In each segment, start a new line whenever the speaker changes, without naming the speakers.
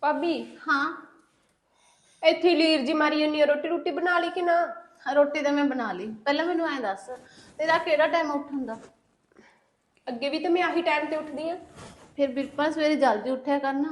ਭਾਬੀ
हाँ
ਇੱਥੇ ਲੀਰ ਜੀ ਮਾਰੀ ਜੰਨੀ ਆ, ਰੋਟੀ ਰੋਟੀ ਬਣਾ ਲਈ ਕਿ ਨਾ?
रोटी तो मैं बना ली। पहले मैनू ऐ दस तेरा केड़ा टाइम उठन दा?
ਅੱਗੇ ਵੀ ਤਾਂ ਮੈਂ ਆਹੀ ਟਾਈਮ ਤੇ ਉੱਠਦੀ ਆ।
फिर बिरपा सवेरे जल्दी उठया करना।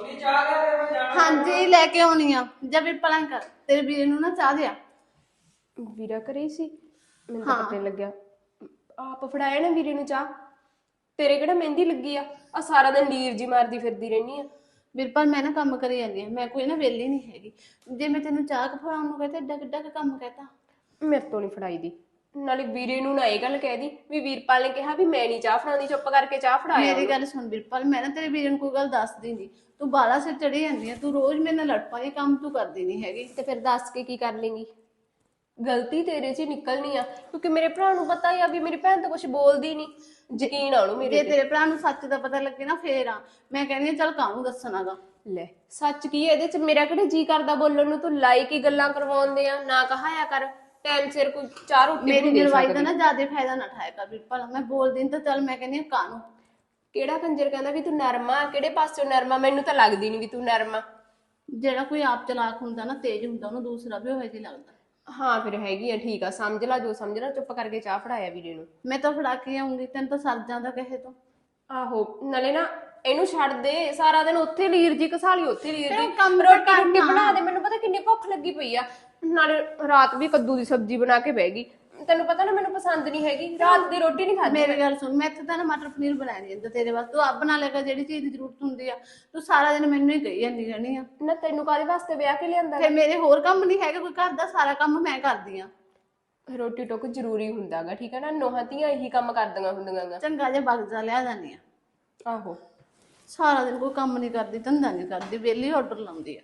हाँ जी लेके आनी आ। जब बिरपा लाइन कर तेरे वीरे नू ना चाह दिया।
ਵੀਰਾ ਘਰੇ ਹੀ ਸੀ? ਮੈਨੂੰ ਤਾਂ ਪਤਾ ਨਹੀਂ ਲੱਗਿਆ। ਆਪ ਫੜਾਇਆ ਨਾ ਵੀਰੇ ਨੂੰ ਚਾਹ। ਤੇਰੇ ਕਿਹੜਾ ਮਹਿੰਦੀ ਲੱਗੀ ਆ ਸਾਰਾ ਦਿਨ ਲੀਰ ਜੀ ਮਾਰਦੀ ਫਿਰਦੀ ਰਹਿਨੀ ਆ।
बिरपा मैं ना काम करी जानी है, मैं कोई ना वेली नहीं हैगी। जे मैं तेनू चाह फड़ाउण नू कहता एडा किड्डा काम कहता।
ਮੇਰੇ ਤੋਂ ਨਹੀਂ ਫੜਾਈ ਦੀ। ਨਾਲੇ ਵੀਰੇ ਨੂੰ ਨਾ ਇਹ ਗੱਲ ਕਹਿ ਦੀ ਵੀ ਵੀਰਪਾਲ ਨੇ ਕਿਹਾ ਵੀ ਮੈਂ ਨਹੀਂ ਚਾਹ ਫੜਾਉਂਦੀ, ਚੁੱਪ ਕਰਕੇ ਚਾਹ ਫੜਾਇਆ।
मेरी गल सुन बिरपा, मैं ना तेरे वीरे नू कोई गल दस दींदी। तू बाला सिर चढ़ी जांदी है, तू रोज मेरे नाल लड़ पाई, काम तू करदी नहीं हैगी।
ਤੇ ਫਿਰ ਦੱਸ ਕੇ ਕੀ ਕਰ ਲੇਂਗੀ? ਗਲਤੀ ਤੇਰੇ 'ਚ ਹੀ ਨਿਕਲਣੀ ਆ, ਕਿਉਂਕਿ ਮੇਰੇ ਭਰਾ ਨੂੰ ਪਤਾ ਹੀ ਆ ਵੀ ਮੇਰੀ ਭੈਣ ਤਾਂ ਕੁਝ ਬੋਲਦੀ ਨਹੀਂ। ਯਕੀਨ ਆ ਉਹਨੂੰ ਮੇਰੇ
ਜੇ
ਤੇ।
ਤੇਰੇ ਭਰਾ ਨੂੰ ਸੱਚ ਦਾ ਪਤਾ ਲੱਗੇ ਨਾ ਫੇਰ ਆ ਮੈਂ ਕਹਿੰਦੀ ਆ ਚੱਲ ਕਾਹਨੂੰ ਦੱਸਣਾਗਾ।
ਲੈ ਸੱਚ ਕੀ ਇਹਦੇ 'ਚ? ਮੇਰਾ ਕਿਹੜੇ ਜੀ ਕਰਦਾ ਬੋਲਣ ਨੂੰ? ਤੂੰ ਲਾਇਕ ਹੀ ਗੱਲਾਂ ਕਰਵਾਉਂਦੇ ਆ, ਨਾ ਕਹਾਇਆ ਕਰ ਟਾਈਮ ਸਿਰ ਕੋਈ ਚਾਹ ਰੋਟੀ
ਮੇਰੀ
ਵੀ ਦੇ
ਨਿਰਵਾਈ
ਸਕਦੀ।
ਦਾ ਨਾ ਜ਼ਿਆਦਾ ਫਾਇਦਾ ਨਾ ਠਾਇਆ ਕਰ ਬਿਰਪਲ, ਮੈਂ ਬੋਲਦੀ ਤਾਂ ਚੱਲ ਮੈਂ ਕਹਿੰਦੀ ਆ ਕਾਹਨੂੰ।
ਕਿਹੜਾ ਕੰਜਰ ਕਹਿੰਦਾ ਵੀ ਤੂੰ ਨਰਮਾ? ਕਿਹੜੇ ਪਾਸਿਓਂ ਨਰਮਾ? ਮੈਨੂੰ ਤਾਂ ਲੱਗਦੀ ਨਹੀਂ ਵੀ ਤੂੰ ਨਰਮਾ।
ਜਿਹੜਾ ਕੋਈ ਆਪ ਚਲਾਕ ਹੁੰਦਾ ਨਾ ਤੇਜ਼ ਹੁੰਦਾ ਉਹਨੂੰ ਦੂਸਰਾ ਵੀ ਉਹੋ ਜਿਹਾ ਲੱਗਦਾ।
ਹਾਂ ਫਿਰ ਹੈਗੀ ਆ, ਠੀਕ ਆ, ਸਮਝ ਲਾ ਜੋ ਸਮਝਣਾ। ਚੁੱਪ ਕਰਕੇ ਚਾਹ ਫੜਾਇਆ ਵੀਰੇ ਨੂੰ।
ਮੈਂ ਤਾਂ ਫੜਾ ਕੇ ਆਉਂਗੀ, ਤੈਨੂੰ ਤਾਂ ਸਰ ਜਾਂਦਾ ਕਹੇ ਤੋਂ।
ਆਹੋ ਨਾਲੇ ਨਾ ਇਹਨੂੰ ਛੱਡ ਦੇ, ਸਾਰਾ ਦਿਨ ਉੱਥੇ ਲੀਰ ਜੀ ਘਸਾਲੀ, ਉੱਥੇ ਲੀਰ ਜੀ।
ਕੰਮ
ਰੋਟੀ ਰੋਟੀ ਬਣਾ ਦੇ, ਮੈਨੂੰ ਪਤਾ ਕਿੰਨੀ ਭੁੱਖ ਲੱਗੀ ਪਈ ਆ। ਨਾਲੇ ਰਾਤ ਵੀ ਕੱਦੂ ਦੀ ਸਬਜ਼ੀ ਬਣਾ ਕੇ ਬਹਿ ਗਈ। ਤੈਨੂੰ ਪਤਾ ਨਾ ਮੈਨੂੰ ਪਸੰਦ ਨਹੀਂ ਹੈਗੀ, ਰਾਤ ਦੀ ਰੋਟੀ ਨਹੀਂ ਖਾਦੀ।
ਮੇਰੀ ਗੱਲ ਸੁਣ, ਮੈਂ ਇੱਥੇ ਤਾਂ ਨਾ ਮਟਰ ਪਨੀਰ ਬਣਾਇਆ ਨਹੀਂ ਜਾਂਦਾ ਤੇਰੇ ਵਾਸਤੇ, ਤੂੰ ਆਪ ਬਣਾ ਲੈ ਕਰ ਜਿਹੜੀ ਚੀਜ਼ ਦੀ ਜ਼ਰੂਰਤ ਹੁੰਦੀ ਆ। ਤੂੰ ਸਾਰਾ ਦਿਨ ਮੈਨੂੰ ਹੀ ਕਹੀ ਜਾਂਦੀ ਰਹਿਣੀ ਆ।
ਨਾ ਤੈਨੂੰ ਕਾਹਦੇ ਵਾਸਤੇ ਵਿਆਹ ਕੇ ਲਿਆਂਦਾ?
ਤੇ ਮੇਰੇ ਹੋਰ ਕੰਮ ਨਹੀਂ ਹੈਗਾ ਕੋਈ, ਘਰ ਦਾ ਸਾਰਾ ਕੰਮ ਮੈਂ ਕਰਦੀ ਆ।
ਰੋਟੀ ਟੁੱਕ ਜ਼ਰੂਰੀ ਹੁੰਦਾਗਾ, ਠੀਕ ਹੈ ਨਾ? ਨੋਹਾਂ ਧੀਆਂ ਇਹੀ ਕੰਮ ਕਰਦੀਆਂ ਹੁੰਦੀਆਂ।
ਚੰਗਾ ਜਿਹਾ ਬਗਜ਼ਾ ਲਿਆ ਜਾਂਦੀ ਆ।
ਆਹੋ
ਸਾਰਾ ਦਿਨ ਕੋਈ ਕੰਮ ਨਹੀਂ ਕਰਦੀ, ਧੰਦਾ ਨਹੀਂ ਕਰਦੀ, ਵਿਹਲੀ ਆਰਡਰ ਲਾਉਂਦੀ ਆ।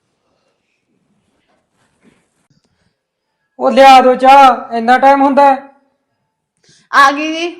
ਉਹ ਲਿਆ ਦੋ ਚਾਹ, ਇੰਨਾ ਟਾਈਮ ਹੁੰਦਾ?
ਆ ਗਈ ਜੀ,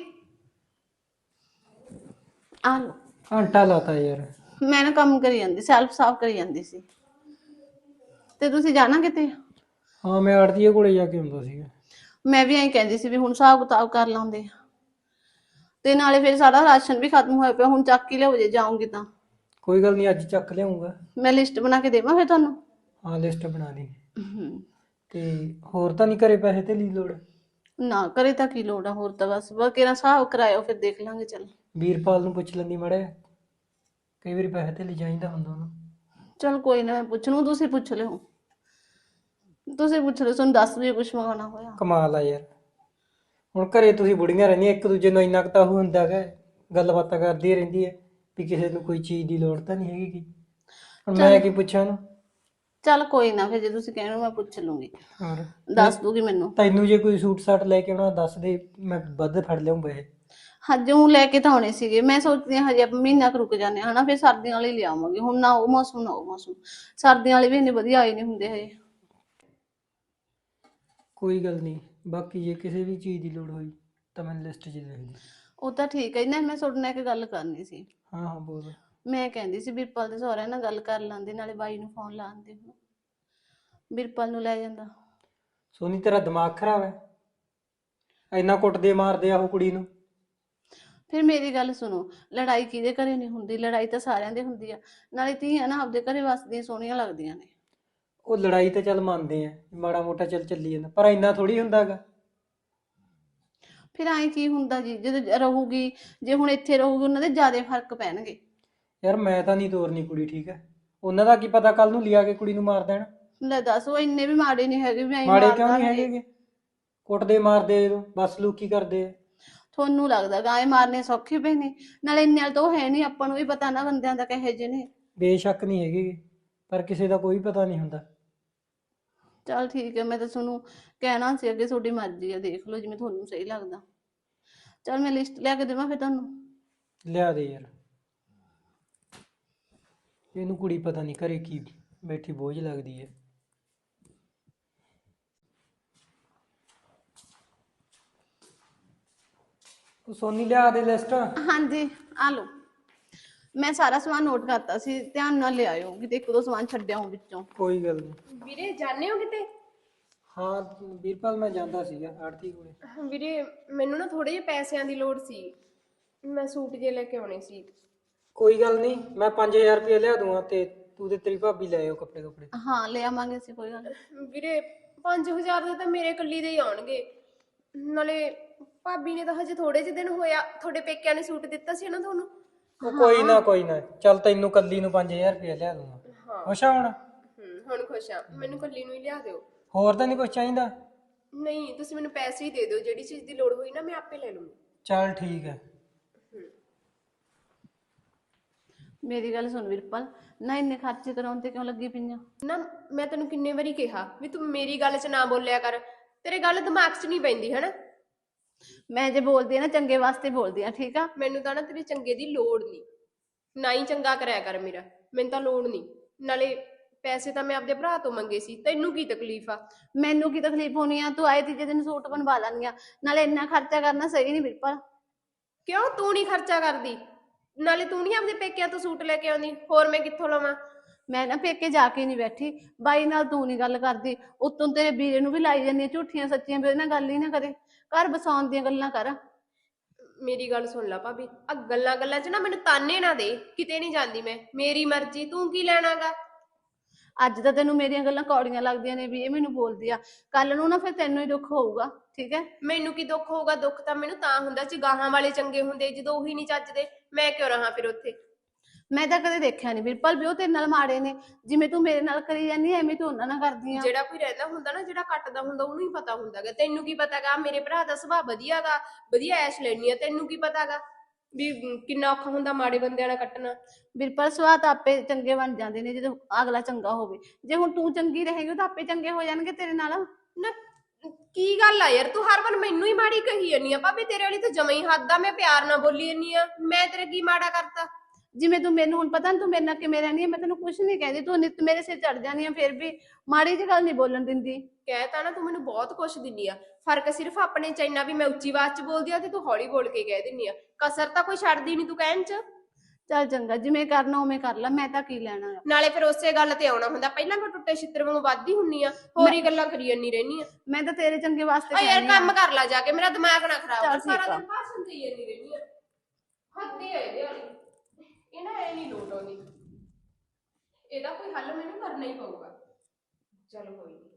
ਆ ਲੋ।
ਘੰਟਾ ਲਾਤਾ ਯਾਰ।
ਮੈਂ ਨਾ ਕੰਮ ਕਰੀ ਜਾਂਦੀ, ਸੈਲਫ ਸਾਫ ਕਰੀ ਜਾਂਦੀ ਸੀ। ਤੇ ਤੁਸੀਂ ਜਾਣਾ ਕਿਤੇ?
ਹਾਂ ਮੈਂ ਆੜਤੀਏ ਕੋਲੇ ਜਾ ਕੇ ਆਉਂਦਾ ਸੀਗਾ।
ਮੈਂ ਵੀ ਐਂ ਕਹਿੰਦੀ ਸੀ ਵੀ ਹੁਣ ਹਿਸਾਬ ਕਿਤਾਬ ਕਰ ਲਾਉਂਦੇ ਤੇ ਨਾਲੇ ਫਿਰ ਸਾਡਾ ਰਾਸ਼ਨ ਵੀ ਖਤਮ ਹੋਇਆ ਪਿਆ, ਹੁਣ ਚੱਕ ਹੀ ਲਿਆਓ ਜੇ ਜਾਉਂਗੀ ਤਾਂ।
ਕੋਈ ਗੱਲ ਨਹੀਂ, ਅੱਜ ਚੱਕ ਲਿਆਉਂਗਾ।
ਮੈਂ ਲਿਸਟ ਬਣਾ ਕੇ ਦੇਵਾਂ ਫਿਰ ਤੁਹਾਨੂੰ?
ਹਾਂ ਲਿਸਟ ਬਣਾ ਦੀ। ਤੇ ਹੋਰ ਤਾਂ ਨਹੀਂ ਘਰੇ ਪੈਸੇ ਤੇ ਲਈ ਲੋੜ?
ਨਾ ਕਰੇ ਤਾਂ ਕੀ ਲੋੜ ਆ, ਹੋਰ ਤਾਂ ਬਸ ਕਿਹੜਾ ਹਿਸਾਬ ਕਰਾਇਓ ਫਿਰ ਦੇਖ ਲਾਂਗੇ। ਚੱਲ
ਵੀਰਪਾਲ ਨੂੰ ਪੁੱਛ ਲੈਂਦੀ ਮਾੜੇ, ਕਈ ਵਾਰੀ ਪੈਸੇ ਤੇ ਲਈ ਚਾਹੀਦਾ ਹੁੰਦਾ ਉਹਨੂੰ।
ਚਲ ਕੋਈ ਨਾ, ਮੈਂ ਪੁੱਛ ਲੂੰ, ਤੁਸੀਂ ਪੁੱਛ ਲਿਓ। ਤੁਸੀਂ ਪੁੱਛ ਲਿਓ, ਤੁਹਾਨੂੰ ਦੱਸ ਵੀ ਕੁਛ ਮੰਗਾਉਣਾ ਹੋਇਆ।
ਕਮਾਲ ਆ ਯਾਰ, ਹੁਣ ਘਰੇ ਤੁਸੀਂ ਬੁੜੀਆਂ ਰਹਿੰਦੀਆਂ, ਇੱਕ ਦੂਜੇ ਨੂੰ ਇੰਨਾ ਕੁ ਤਾਂ ਉਹ ਹੁੰਦਾ ਗਾ, ਗੱਲਬਾਤਾਂ ਕਰਦੀ ਰਹਿੰਦੀ ਹੈ ਵੀ ਕਿਸੇ ਨੂੰ ਕੋਈ ਚੀਜ਼ ਦੀ ਲੋੜ ਤਾਂ ਨਹੀਂ ਹੈਗੀ। ਹੁਣ ਮੈਂ ਕੀ ਪੁੱਛਾਂ ਉਹਨੂੰ?
ਚੱਲ ਕੋਈ ਨਾ, ਫਿਰ ਜੇ ਤੁਸੀਂ ਕਹਿਣਾ ਮੈਂ ਪੁੱਛ ਲੂੰਗੀ,
ਹੋਰ
ਦੱਸ ਦੂਗੀ ਮੈਨੂੰ।
ਤੈਨੂੰ ਜੇ ਕੋਈ ਸੂਟ ਸਾਟ ਲੈ ਕੇ ਆਉਣਾ ਦੱਸ ਦੇ, ਮੈਂ ਵੱਧ ਫੜ ਲਿਆਉਂ ਪੈਸੇ।
ਹਜੇ ਉਹ ਲੈ ਕੇ ਤਾਂ ਆਉਣੇ ਸੀਗੇ, ਮੈਂ ਸੋਚਦੀ ਹਾਂ ਹਜੇ ਆਪਾਂ ਮਹੀਨਾ ਕੁ ਰੁਕ ਜਾਂਦੇ ਹਾਂ ਹਨਾ, ਫਿਰ ਸਰਦੀਆਂ ਵਾਲੇ ਲਿਆਵਾਂਗੇ। ਹੁਣ ਨਾ ਉਹ ਮੌਸਮ ਨਾ ਉਹ ਮੌਸਮ, ਸਰਦੀਆਂ ਵਾਲੇ ਵੀ ਇੰਨੇ ਵਧੀਆ ਆਏ ਨਹੀਂ ਹੁੰਦੇ ਹਜੇ।
ਕੋਈ ਗੱਲ ਨਹੀਂ, ਬਾਕੀ ਜੇ ਕਿਸੇ ਵੀ ਚੀਜ਼ ਦੀ ਲੋੜ ਹੋਈ ਤਾਂ ਮੈਨੂੰ ਲਿਸਟ 'ਚ ਲਿਖ ਦੇ।
ਉਹ ਤਾਂ ਠੀਕ ਹੈ ਨਾ, ਮੈਂ ਤੁਹਾਡੇ ਨਾਲ ਇੱਕ ਗੱਲ ਕਰਨੀ ਸੀ।
ਹਾਂ ਹਾਂ ਬੋਲ।
ਮੈਂ ਕਹਿੰਦੀ ਸੀ ਬਿਰਪਾਲ ਦੇ ਸਹੁਰਿਆਂ ਨਾਲ ਗੱਲ ਕਰ ਲਾਂਦੇ, ਨਾਲੇ ਬਾਈ ਨੂੰ ਫੋਨ ਲਾਉਂਦੇ, ਬਿਰਪਾਲ ਨੂੰ ਲੈ ਜਾਂਦਾ।
ਸੋਨੀ ਤੇਰਾ ਦਿਮਾਗ ਖਰਾਬ ਹੈ? ਇੰਨਾ ਕੁੱਟਦੇ ਮਾਰਦੇ ਆ ਉਹ ਕੁੜੀ ਨੂੰ।
ਫਿਰ ਮੇਰੀ ਗੱਲ ਸੁਣੋ, ਲੜਾਈ ਕਿਹਦੇ ਘਰੇ ਨਹੀਂ ਹੁੰਦੀ, ਲੜਾਈ ਤਾਂ ਸਾਰਿਆਂ ਦੇ ਹੁੰਦੀ ਆ। ਨਾਲੇ ਧੀਆਂ ਨਾ ਆਪਦੇ ਘਰੇ ਵਸਦੀਆਂ ਸੋਹਣੀਆਂ ਲੱਗਦੀਆਂ ਨੇ।
ਉਹ ਲੜਾਈ ਤਾਂ ਚੱਲ ਮੰਨਦੇ ਆ, ਮਾੜਾ ਮੋਟਾ ਚੱਲੀ ਜਾਂਦਾ, ਪਰ ਇੰਨਾ ਥੋੜੀ ਹੁੰਦਾ ਗਾ।
ਫਿਰ ਐਂ ਕੀ ਹੁੰਦਾ ਜੀ, ਜਦੋਂ ਰਹੂਗੀ, ਜੇ ਹੁਣ ਇੱਥੇ ਰਹੂਗੀ ਉਹਨਾਂ ਦੇ ਜ਼ਿਆਦਾ ਫਰਕ ਪੈਣਗੇ।
ਯਾਰ ਮੈਂ ਤਾਂ ਨਹੀਂ ਤੋਰਨੀ ਕੁੜੀ, ਠੀਕ ਹੈ? ਉਹਨਾਂ ਦਾ ਕੀ ਪਤਾ ਕੱਲ ਨੂੰ ਲਿਆ ਕੇ ਕੁੜੀ ਨੂੰ ਮਾਰ ਦੇਣ।
ਲੈ ਦੱਸ, ਉਹ ਇੰਨੇ ਵੀ ਮਾੜੇ ਨਹੀਂ ਹੈਗੇ ਵੀ ਐਂ
ਮਾੜੇ ਕਿਉਂ
ਮਾਰਦਾ
ਨਹੀਂ
ਰਹੇ।
ਹੈਗੇ? ਕੁੱਟਦੇ ਮਾਰਦੇ ਜਦੋਂ ਬਸ ਲੋਕੀ ਕਰਦੇ ਆ।
ਤੁਹਾਨੂੰ ਲੱਗਦਾ ਗਾਏ ਮਾਰਨੇ ਸੌਖੇ ਪਏ ਨੇ? ਨਾਲੇ ਇੰਨੇ ਵਾਲ ਤਾਂ ਉਹ ਹੈ ਨਹੀਂ, ਆਪਾਂ ਨੂੰ ਵੀ ਪਤਾ ਨਾ ਬੰਦਿਆਂ ਦਾ ਕਹੇ ਜਿਹੇ ਨੇ।
ਬੇਸ਼ੱਕ ਨਹੀਂ ਹੈਗੇ, ਪਰ ਕਿਸੇ ਦਾ ਕੋਈ ਪਤਾ ਨਹੀਂ ਹੁੰਦਾ।
ਚੱਲ ਠੀਕ ਹੈ, ਮੈਂ ਤਾਂ ਤੁਹਾਨੂੰ ਕਹਿਣਾ ਸੀ ਅੱਗੇ, ਤੁਹਾਡੀ ਮਰਜ਼ੀ ਆ, ਦੇਖ ਲਓ ਜਿਵੇਂ ਤੁਹਾਨੂੰ ਸਹੀ ਲੱਗਦਾ। ਚੱਲ ਮੈਂ ਲਿਸਟ ਲਿਆ ਕੇ ਦੇਵਾਂ ਫਿਰ ਤੁਹਾਨੂੰ?
ਲਿਆ ਦੇ ਯਾਰ, ਇਹਨੂੰ ਕੁੜੀ ਪਤਾ ਨਹੀਂ ਘਰੇ ਕੀ ਬੈਠੀ ਬੋਝ ਲੱਗਦੀ ਹੈ। ਉਹ ਸੋਨੀ ਲਿਆ ਦੇ ਲਿਸਟ।
ਹਾਂਜੀ ਆ ਲਓ, ਮੈਂ ਸਾਰਾ ਸਮਾਨ ਨੋਟ ਕਰਤਾ ਸੀ, ਧਿਆਨ ਨਾਲ ਲਿਆਇਓ, ਕਿਤੇ ਇੱਕ ਦੋ ਸਮਾਨ ਛੱਡਿਆ ਹੋ ਵਿੱਚੋਂ।
ਕੋਈ ਗੱਲ ਨਹੀਂ।
ਵੀਰੇ ਜਾਣੇ ਹੋ ਕਿਤੇ?
ਹਾਂ ਵੀਰਪਾਲ ਮੈਂ ਜਾਂਦਾ ਸੀਗਾ ਆੜਤੀ ਕੋਲੇ।
ਵੀਰੇ ਮੈਨੂੰ ਨਾ ਥੋੜੇ ਜਿਹੇ ਪੈਸਿਆਂ ਦੀ ਲੋੜ ਸੀ, ਮੈਂ ਸੂਟ ਜੇ ਲੈ ਕੇ ਆਉਣੇ ਸੀ।
ਕੋਈ ਗੱਲ ਨਹੀਂ, ਮੈਂ 5000 ਰੁਪਏ ਲਿਆ ਦੂੰਗਾ ਤੇ ਤੂੰ ਤੇ ਤੇਰੀ ਭਾਬੀ ਲੈ ਆਓ ਕੱਪੜੇ।
ਹਾਂ ਲੈ ਆਵਾਂਗੇ ਅਸੀਂ, ਕੋਈ ਗੱਲ ਨੀ।
ਵੀਰੇ 5000 ਦੇ ਤਾਂ ਮੇਰੇ ਕੱਲੀ ਦੇ ਹੀ ਆਉਣਗੇ। ਨਾਲੇ ਭਾਬੀ ਨੇ ਤਾਂ ਹਜੇ ਥੋੜੇ ਜਿਹੇ ਦਿਨ ਹੋਇਆ ਤੁਹਾਡੇ ਪੇਕਿਆਂ ਨੇ ਸੂਟ ਦਿੱਤਾ ਸੀ ਨਾ ਤੁਹਾਨੂੰ।
ਉਹ ਕੋਈ ਨਾ ਚੱਲ ਤੈਨੂੰ ਕੱਲੀ ਨੂੰ 5000 ਰੁਪਏ ਲਿਆ ਦੂੰਗਾ। ਖੁਸ਼ ਆ ਹੁਣ?
ਹੁਣ ਖੁਸ਼ ਆ, ਮੈਨੂੰ ਕੱਲੀ ਨੂੰ ਹੀ ਲਿਆ ਦਿਓ।
ਹੋਰ ਤਾਂ ਨਹੀਂ ਕੁਝ ਚਾਹੀਦਾ?
ਨਹੀਂ ਤੁਸੀਂ ਮੈਨੂੰ ਪੈਸੇ ਹੀ ਦੇ ਦਿਓ, ਜਿਹੜੀ ਚੀਜ਼ ਦੀ ਲੋੜ ਹੋਈ ਨਾ ਮੈਂ ਆਪੇ ਲੈ ਲੂੰਗੀ।
ਚੱਲ ਠੀਕ ਹੈ।
ਮੇਰੀ ਗੱਲ ਸੁਣ ਵੀਰਪਾਲ, ਨਾ ਇੰਨੇ ਖਰਚੇ ਕਰਾਉਣ ਤੇ ਕਿਉਂ ਲੱਗੀ ਪਈਆਂ?
ਨਾ ਮੈਂ ਤੈਨੂੰ ਕਿੰਨੇ ਵਾਰੀ ਕਿਹਾ ਵੀ ਤੂੰ ਮੇਰੀ ਗੱਲ 'ਚ ਨਾ ਬੋਲਿਆ ਕਰ, ਤੇਰੇ ਗੱਲ ਦਿਮਾਗ 'ਚ ਨਹੀਂ ਪੈਂਦੀ ਹਨਾ।
ਮੈਂ ਜੇ ਬੋਲਦੀ ਆ ਨਾ ਚੰਗੇ ਵਾਸਤੇ ਬੋਲਦੀ ਆ, ਠੀਕ ਆ?
ਮੈਨੂੰ ਤਾਂ ਨਾ ਤੇਰੇ ਚੰਗੇ ਦੀ ਲੋੜ ਨਹੀਂ, ਨਾ ਹੀ ਚੰਗਾ ਕਰਿਆ ਕਰ ਮੇਰਾ, ਮੈਨੂੰ ਤਾਂ ਲੋੜ ਨਹੀਂ। ਨਾਲੇ ਪੈਸੇ ਤਾਂ ਮੈਂ ਆਪਦੇ ਭਰਾ ਤੋਂ ਮੰਗੇ ਸੀ, ਤੈਨੂੰ ਕੀ ਤਕਲੀਫ ਆ?
ਮੈਨੂੰ ਕੀ ਤਕਲੀਫ ਹੋਣੀ ਆ? ਤੂੰ ਆਏ ਤੀਜੇ ਦਿਨ ਸੂਟ ਬਣਵਾ ਲਾਂਗੀ, ਨਾਲੇ ਇੰਨਾ ਖਰਚਾ ਕਰਨਾ ਸਹੀ ਨਹੀਂ ਵੀਰਪਾਲ।
ਕਿਉਂ ਤੂੰ ਨਹੀਂ ਖਰਚਾ ਕਰਦੀ? ਨਾਲੇ ਤੂੰ ਨਹੀਂ ਆਪਦੇ ਪੇਕਿਆਂ ਤੋਂ ਸੂਟ ਲੈ ਕੇ ਆਉਂਦੀ, ਹੋਰ ਮੈਂ ਕਿੱਥੋਂ ਲਵਾਂ?
ਮੈਂ ਨਾ ਪੇਕੇ ਜਾ ਕੇ ਨਹੀਂ ਬੈਠੀ, ਬਾਈ ਨਾਲ ਤੂੰ ਨਹੀਂ ਗੱਲ ਕਰਦੀ, ਉੱਤੋਂ ਤੇਰੇ ਵੀਰੇ ਨੂੰ ਵੀ ਲਾਈ ਜਾਂਦੀ ਝੂਠੀਆਂ ਸੱਚੀਆਂ, ਵੀ ਉਹਦੇ ਨਾਲ ਗੱਲ ਹੀ ਨਾ ਕਰੇ, ਘਰ ਬਸਾਉਣ ਦੀਆਂ ਗੱਲਾਂ ਕਰ।
ਮੇਰੀ ਗੱਲ ਸੁਣ ਲੈ ਭਾਬੀ, ਆ ਗੱਲਾਂ 'ਚ ਨਾ ਮੈਨੂੰ ਤਾਨੇ ਨਾ ਦੇ, ਕਿਤੇ ਨਹੀਂ ਜਾਂਦੀ ਮੈਂ, ਮੇਰੀ ਮਰਜ਼ੀ, ਤੂੰ ਕੀ ਲੈਣਾਗਾ?
ਅੱਜ ਤਾਂ ਤੈਨੂੰ ਮੇਰੀਆਂ ਗੱਲਾਂ ਕੌੜੀਆਂ ਲੱਗਦੀਆਂ ਨੇ ਵੀ ਇਹ ਮੈਨੂੰ ਬੋਲਦੀ ਆ, ਕੱਲ ਨੂੰ ਨਾ ਫਿਰ ਤੈਨੂੰ ਹੀ ਦੁੱਖ ਹੋਊਗਾ, ਠੀਕ ਹੈ?
ਮੈਨੂੰ ਕੀ ਦੁੱਖ ਹੋਊਗਾ? ਦੁੱਖ ਤਾਂ ਮੈਨੂੰ ਤਾਂ ਹੁੰਦਾ ਸੀ ਗਾਹਾਂ ਵਾਲੇ ਚੰਗੇ ਹੁੰਦੇ, ਜਦੋਂ ਉਹੀ ਨਹੀਂ ਚੱਜਦੇ ਮੈਂ ਕਿਉਂ ਰਹਾ ਫਿਰ ਉੱਥੇ?
ਮੈਂ ਤਾਂ ਕਦੇ ਦੇਖਿਆ ਨਹੀਂ ਵੀਰਪਾਲ ਵੀ ਉਹ ਤੇਰੇ ਨਾਲ ਮਾੜੇ ਨੇ, ਜਿਵੇਂ ਤੂੰ ਮੇਰੇ ਨਾਲ ਕਰੀ ਜਾਂਦੀ ਐਵੇਂ ਤੂੰ ਉਹਨਾਂ ਨਾਲ ਕਰਦੀ ਆ।
ਜਿਹੜਾ ਕੋਈ ਰਹਿੰਦਾ ਹੁੰਦਾ ਨਾ, ਜਿਹੜਾ ਕੱਟਦਾ ਹੁੰਦਾ ਉਹਨੂੰ ਹੀ ਪਤਾ ਹੁੰਦਾਗਾ, ਤੈਨੂੰ ਕੀ ਪਤਾਗਾ? ਮੇਰੇ ਭਰਾ ਦਾ ਸੁਭਾਅ ਵਧੀਆਗਾ, ਵਧੀਆ ਐਸ਼ ਲੈਣੀ ਆ, ਤੈਨੂੰ ਕੀ ਪਤਾਗਾ ਵੀ ਕਿੰਨਾ ਔਖਾ ਹੁੰਦਾ ਮਾੜੇ ਬੰਦਿਆਂ ਨਾਲ ਕੱਟਣਾ?
ਵੀਰਪਾਲ ਸੁਭਾਅ ਤਾਂ ਆਪੇ ਚੰਗੇ ਬਣ ਜਾਂਦੇ ਨੇ ਜਦੋਂ ਅਗਲਾ ਚੰਗਾ ਹੋਵੇ, ਜੇ ਹੁਣ ਤੂੰ ਚੰਗੀ ਰਹੇਗੀ ਤਾਂ ਆਪੇ ਚੰਗੇ ਹੋ ਜਾਣਗੇ ਤੇਰੇ ਨਾਲ।
ਨਾ ਕੀ ਗੱਲ ਆ ਯਾਰ, ਤੂੰ ਹਰ ਵਾਰ ਮੈਨੂੰ ਹੀ ਮਾੜੀ ਕਹੀ ਜਾਂਦੀ ਆ ਭਾਬੀ, ਤੇਰੇ ਵਾਲੀ ਤਾਂ ਜਮਾਂ ਹੀ ਹੱਦ ਆ, ਮੈਂ ਪਿਆਰ ਨਾਲ ਬੋਲੀ ਜਾਂਦੀ ਆ, ਮੈਂ ਤੇਰੇ ਕੀ ਮਾੜਾ ਕਰਤਾ?
ਜਿਵੇਂ ਤੂੰ ਮੈਨੂੰ ਹੁਣ ਪਤਾ ਨੀ ਤੂੰ ਮੇਰੇ ਨਾਲ ਕਿਵੇਂ ਰਹਿੰਦੀ ਹੈ, ਮੈਂ ਤੈਨੂੰ ਕੁਛ ਨਹੀਂ ਕਹਿੰਦੀ, ਤੂੰ ਨਿੱਤ ਮੇਰੇ ਸਿਰ ਚੜ ਜਾਂਦੀ ਆ, ਫਿਰ ਵੀ ਮਾੜੀ ਜਿਹੀ ਗੱਲ ਨਹੀਂ ਬੋਲਣ ਦਿੰਦੀ।
ਕਹਿ ਤਾ ਨਾ, ਤੂੰ ਮੈਨੂੰ ਬਹੁਤ ਕੁਛ ਦਿੰਦੀ ਆ, ਫਰਕ ਸਿਰਫ ਆਪਣੇ ਚ ਇੰਨਾ ਵੀ ਮੈਂ ਉੱਚੀ ਆਵਾਜ਼ ਚ ਬੋਲਦੀ ਆ ਤੇ ਤੂੰ ਹੌਲੀ ਬੋਲ ਕੇ ਕਹਿ ਦਿੰਦੀ ਆ, ਕਸਰ ਤਾਂ ਕੋਈ ਛੱਡਦੀ ਨਹੀਂ ਤੂੰ ਕਹਿਣ ਚ।
ਚੱਲ ਚੰਗਾ, ਜਿਵੇਂ ਕਰਨਾ ਉਵੇਂ ਕਰ ਲੈ, ਮੈਂ ਤਾਂ ਕੀ ਲੈਣਾ ਆ।
ਨਾਲੇ ਫਿਰ ਉਸੇ ਗੱਲ ਤੇ ਆਉਣਾ ਹੁੰਦਾ, ਪਹਿਲਾਂ ਮੈਂ ਟੁੱਟੇ ਛਿੱਤਰ ਵਾਂਗੂ ਵੱਧਦੀ ਹੁੰਨੀ ਆ, ਹੋਰ ਹੀ ਗੱਲਾਂ ਕਰੀ ਜਾਂਦੀ ਰਹਿਨੀ ਆ।
ਮੈਂ ਤਾਂ ਤੇਰੇ ਚੰਗੇ ਵਾਸਤੇ
ਆ ਯਾਰ
ਕਹਿੰਦੀ
ਕੰਮ ਕਰ ਲੈ ਜਾ ਕੇ, ਮੇਰਾ ਦਿਮਾਗ ਨਾ ਖਰਾਬ ਕਰ,
ਚੱਲ ਠੀਕ
ਸਾਰਾ
ਆ।
ਦਿਨ ਭਾਸ਼ਣ ਦੇਈ ਜਾਂਦੀ ਰਹਿਨੀ ਆ, ਹੱਦੀ ਆ ਇਹਦੇ ਵਾਲੀ, ਇਹ ਨਾ ਐ ਨਹੀਂ ਲੋਟ ਆਉਂਦੀ, ਇਹਦਾ ਕੋਈ ਹੱਲ ਮੈਨੂੰ ਕਰਨਾ ਹੀ ਪਊਗਾ। ਚਲ ਕੋਈ ਨਹੀਂ।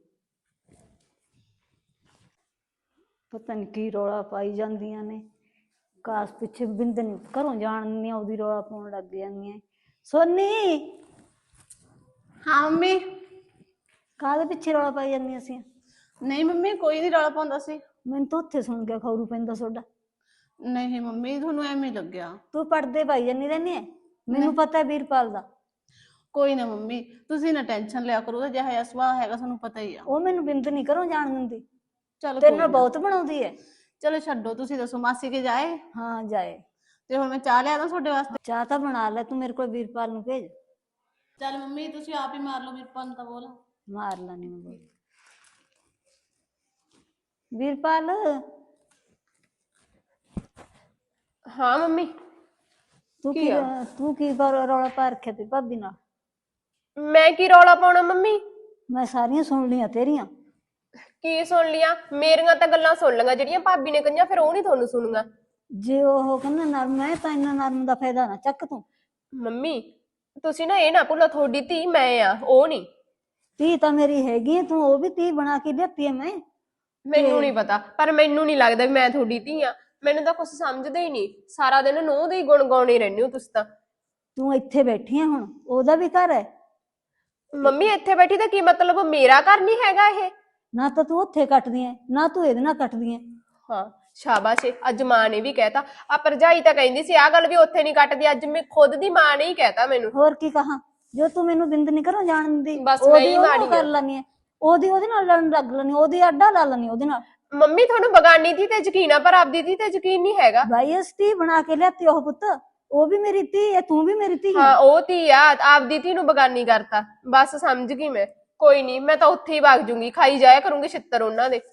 ਪਤਾ ਨਹੀਂ ਕੀ ਰੌਲਾ ਪਾਈ ਜਾਂਦੀਆਂ ਨੇ, ਕਾਸ ਪਿੱਛੇ ਬਿੰਦ ਨੀ ਘਰੋਂ ਜਾਣ ਨੀ ਉਹਦੀ ਰੌਲਾ ਪਾਉਣ ਲੱਗ ਜਾਂਦੀਆਂ। ਸੋਨੀ,
ਹਾਂ ਮੰਮੀ।
ਕਾਹਦੇ ਪਿੱਛੇ ਰੌਲਾ ਪਾਈ ਜਾਂਦੀਆਂ ਸੀ?
ਨਹੀਂ ਮੰਮੀ ਕੋਈ ਨਹੀਂ ਰੌਲਾ ਪਾਉਂਦਾ ਸੀ।
ਮੈਨੂੰ ਤਾਂ ਉੱਥੇ ਸੁਣ ਕੇ ਖੌਰੂ ਪੈਂਦਾ ਤੁਹਾਡਾ।
ਨਹੀਂ ਮੰਮੀ ਤੁਹਾਨੂੰ ਐਵੇਂ ਲੱਗਿਆ।
ਤੂੰ ਪੜਦੇ ਪਾਈ ਜਾਂਦੀ ਰਹਿੰਦੀ ਐ, ਮੈਨੂੰ ਪਤਾ ਹੈ ਵੀਰਪਾਲ ਦਾ।
ਕੋਈ ਨਾ ਮੰਮੀ ਤੁਸੀਂ ਨਾ ਟੈਨਸ਼ਨ ਲਿਆ ਕਰੋ, ਉਹਦਾ ਜਿਹਾ ਜਿਹਾ ਸੁਭਾਅ ਹੈਗਾ ਤੁਹਾਨੂੰ ਪਤਾ ਹੀ ਆ।
ਉਹ ਮੈਨੂੰ ਬਿੰਦ ਨੀ ਘਰੋਂ ਜਾਣ ਦਿੰਦੀ,
ਚਲੋ
ਤੇਰੇ ਨਾਲ ਬਹੁਤ ਬਣਾਉਂਦੀ ਐ।
ਚਲੋ ਛੱਡੋ, ਤੁਸੀਂ ਦੱਸੋ ਮਾਸੀ ਕੇ ਜਾਏ?
ਹਾਂ ਜਾਏ।
ਤੇ ਹੁਣ ਮੈਂ ਚਾਹ ਲਿਆ ਦਾਂ ਤੁਹਾਡੇ ਵਾਸਤੇ?
ਚਾਹ ਤਾਂ ਬਣਾ ਲੈ, ਤੂੰ ਮੇਰੇ ਕੋਲ ਵੀਰਪਾਲ ਨੂੰ ਭੇਜ।
ਚੱਲ ਮੰਮੀ ਤੁਸੀਂ ਆਪ ਹੀ ਮਾਰ ਲਓ ਵੀਰਪਾਲ ਨੂੰ ਤਾਂ ਬੋਲ।
ਮਾਰ ਲੈਣੀ ਮੈਂ ਬੋਲ। ਵੀਰਪਾਲ,
ਹਾਂ ਮੰਮੀ।
ਤੂੰ ਕੀ ਰੌਲਾ ਪਾ ਰੱਖਿਆ ਤੇ ਭਾਬੀ ਨਾਲ?
ਮੈਂ ਕੀ ਰੌਲਾ ਪਾਉਣਾ ਮੰਮੀ?
ਮੈਂ ਸਾਰੀਆਂ ਸੁਣ ਲੀਆਂ ਤੇਰੀਆਂ।
ਕੀ ਸੁਣ ਲਿਆ? ਮੇਰੀਆਂ ਤਾਂ ਗੱਲਾਂ ਸੁਣ ਲਈਆਂ, ਜਿਹੜੀਆਂ ਭਾਬੀ ਨੇ ਕਹੀਆਂ ਫਿਰ ਉਹ ਨਹੀਂ ਤੁਹਾਨੂੰ ਸੁਣੂਗਾ।
ਜੇ ਉਹ ਕਹਿੰਦਾ ਨਰਮ ਹੈ ਤਾਂ ਇੰਨਾ ਨਰਮ ਦਾ ਫਾਇਦਾ ਨਾ ਚੱਕ ਤੂੰ।
ਮੰਮੀ ਤੁਸੀਂ ਨਾ ਇਹ ਨਾ ਭੁੱਲੋ, ਤੁਹਾਡੀ ਧੀ ਮੈਂ ਆ, ਉਹ ਨਹੀਂ।
ਧੀ ਤਾਂ ਮੇਰੀ ਹੈਗੀ, ਤੂੰ ਉਹ ਵੀ ਧੀ ਬਣਾ ਕੇ ਲਿਆਤੀ ਐ।
ਮੈਨੂੰ ਨਹੀਂ ਪਤਾ, ਪਰ ਮੈਨੂੰ ਨਹੀਂ ਲੱਗਦਾ ਵੀ ਮੈਂ ਤੁਹਾਡੀ ਧੀ ਆ, ਮੈਨੂੰ ਤਾਂ ਕੁਝ ਸਮਝਦੇ ਹੀ ਨਹੀਂ, ਸਾਰਾ ਦਿਨ ਨੂੰਹ ਦੇ ਹੀ ਗੁਣ ਗਾਉਣੇ ਰਹਿੰਦੇ ਹੋ ਤੁਸੀਂ ਤਾਂ।
ਤੂੰ ਇੱਥੇ ਬੈਠੀ ਆ, ਹੁਣ ਉਹਦਾ ਵੀ ਘਰ ਹੈ।
ਮੰਮੀ ਇੱਥੇ ਬੈਠੀ ਤਾਂ ਕੀ ਮਤਲਬ, ਮੇਰਾ ਘਰ ਨਹੀਂ ਹੈਗਾ ਇਹ?
ਨਾ ਤਾਂ ਤੂੰ ਉੱਥੇ ਕੱਟਦੀ ਐ, ਨਾ ਤੂੰ ਇਹਦੇ ਨਾਲ ਕੱਟਦੀ ਐ।
ਹਾਂ ਸ਼ਾਬਾਸ਼ ਏ, ਅੱਜ ਮਾਂ ਨੇ ਵੀ ਕਹਿਤਾ। ਆ ਭਰਜਾਈ ਤਾਂ ਕਹਿੰਦੀ ਸੀ ਆਹ ਗੱਲ ਵੀ ਉੱਥੇ ਨਹੀਂ ਕੱਟਦੀ, ਅੱਜ ਮੈਂ ਖੁਦ ਦੀ ਮਾਂ ਨੇ ਹੀ ਕਹਿਤਾ ਮੈਨੂੰ।
ਹੋਰ ਕੀ ਕਹਾਂ, ਜੋ ਤੂੰ ਮੈਨੂੰ ਬਿੰਦ ਨਹੀਂ ਘਰੋਂ ਜਾਣ ਦਿੰਦੀ,
ਬਸ ਮੈਂ ਹੀ ਮਾੜੀ
ਕਰ ਲੈਣੀ ਐ, ਉਹਦੇ ਨਾਲ ਲੜਨ ਲੱਗ ਲੈਣੀ, ਉਹਦੀ ਆਡਾ ਲਾ ਲੈਣੀ ਉਹਦੇ ਨਾਲ।
ਮੰਮੀ ਤੁਹਾਨੂੰ ਬਗਾਨੀ ਧੀ ਤੇ ਯਕੀਨ ਆ, ਪਰ ਆਪਦੀ ਧੀ ਤੇ ਯਕੀਨ ਨਹੀਂ ਹੈਗਾ।
ਬਾਈ ਇਸ ਧੀ ਬਣਾ ਕੇ ਲਿਆਤੀ ਉਹ ਪੁੱਤ, ਉਹ ਵੀ ਮੇਰੀ ਧੀ ਐ, ਤੂੰ ਵੀ ਮੇਰੀ ਧੀ ਐ।
ਹਾਂ ਉਹ ਧੀ ਆ, ਆਪਦੀ ਧੀ ਨੂੰ ਬਗਾਨੀ ਕਰਤਾ, ਬਸ ਸਮਝ ਗਈ ਮੈਂ। ਕੋਈ ਨਹੀਂ, ਮੈਂ ਤਾਂ ਉੱਥੇ ਹੀ ਵਗ ਜੂੰਗੀ, ਖਾਈ ਜਾਇਆ ਕਰੂੰਗੀ ਛਿੱਤਰ ਉਹਨਾਂ ਦੇ।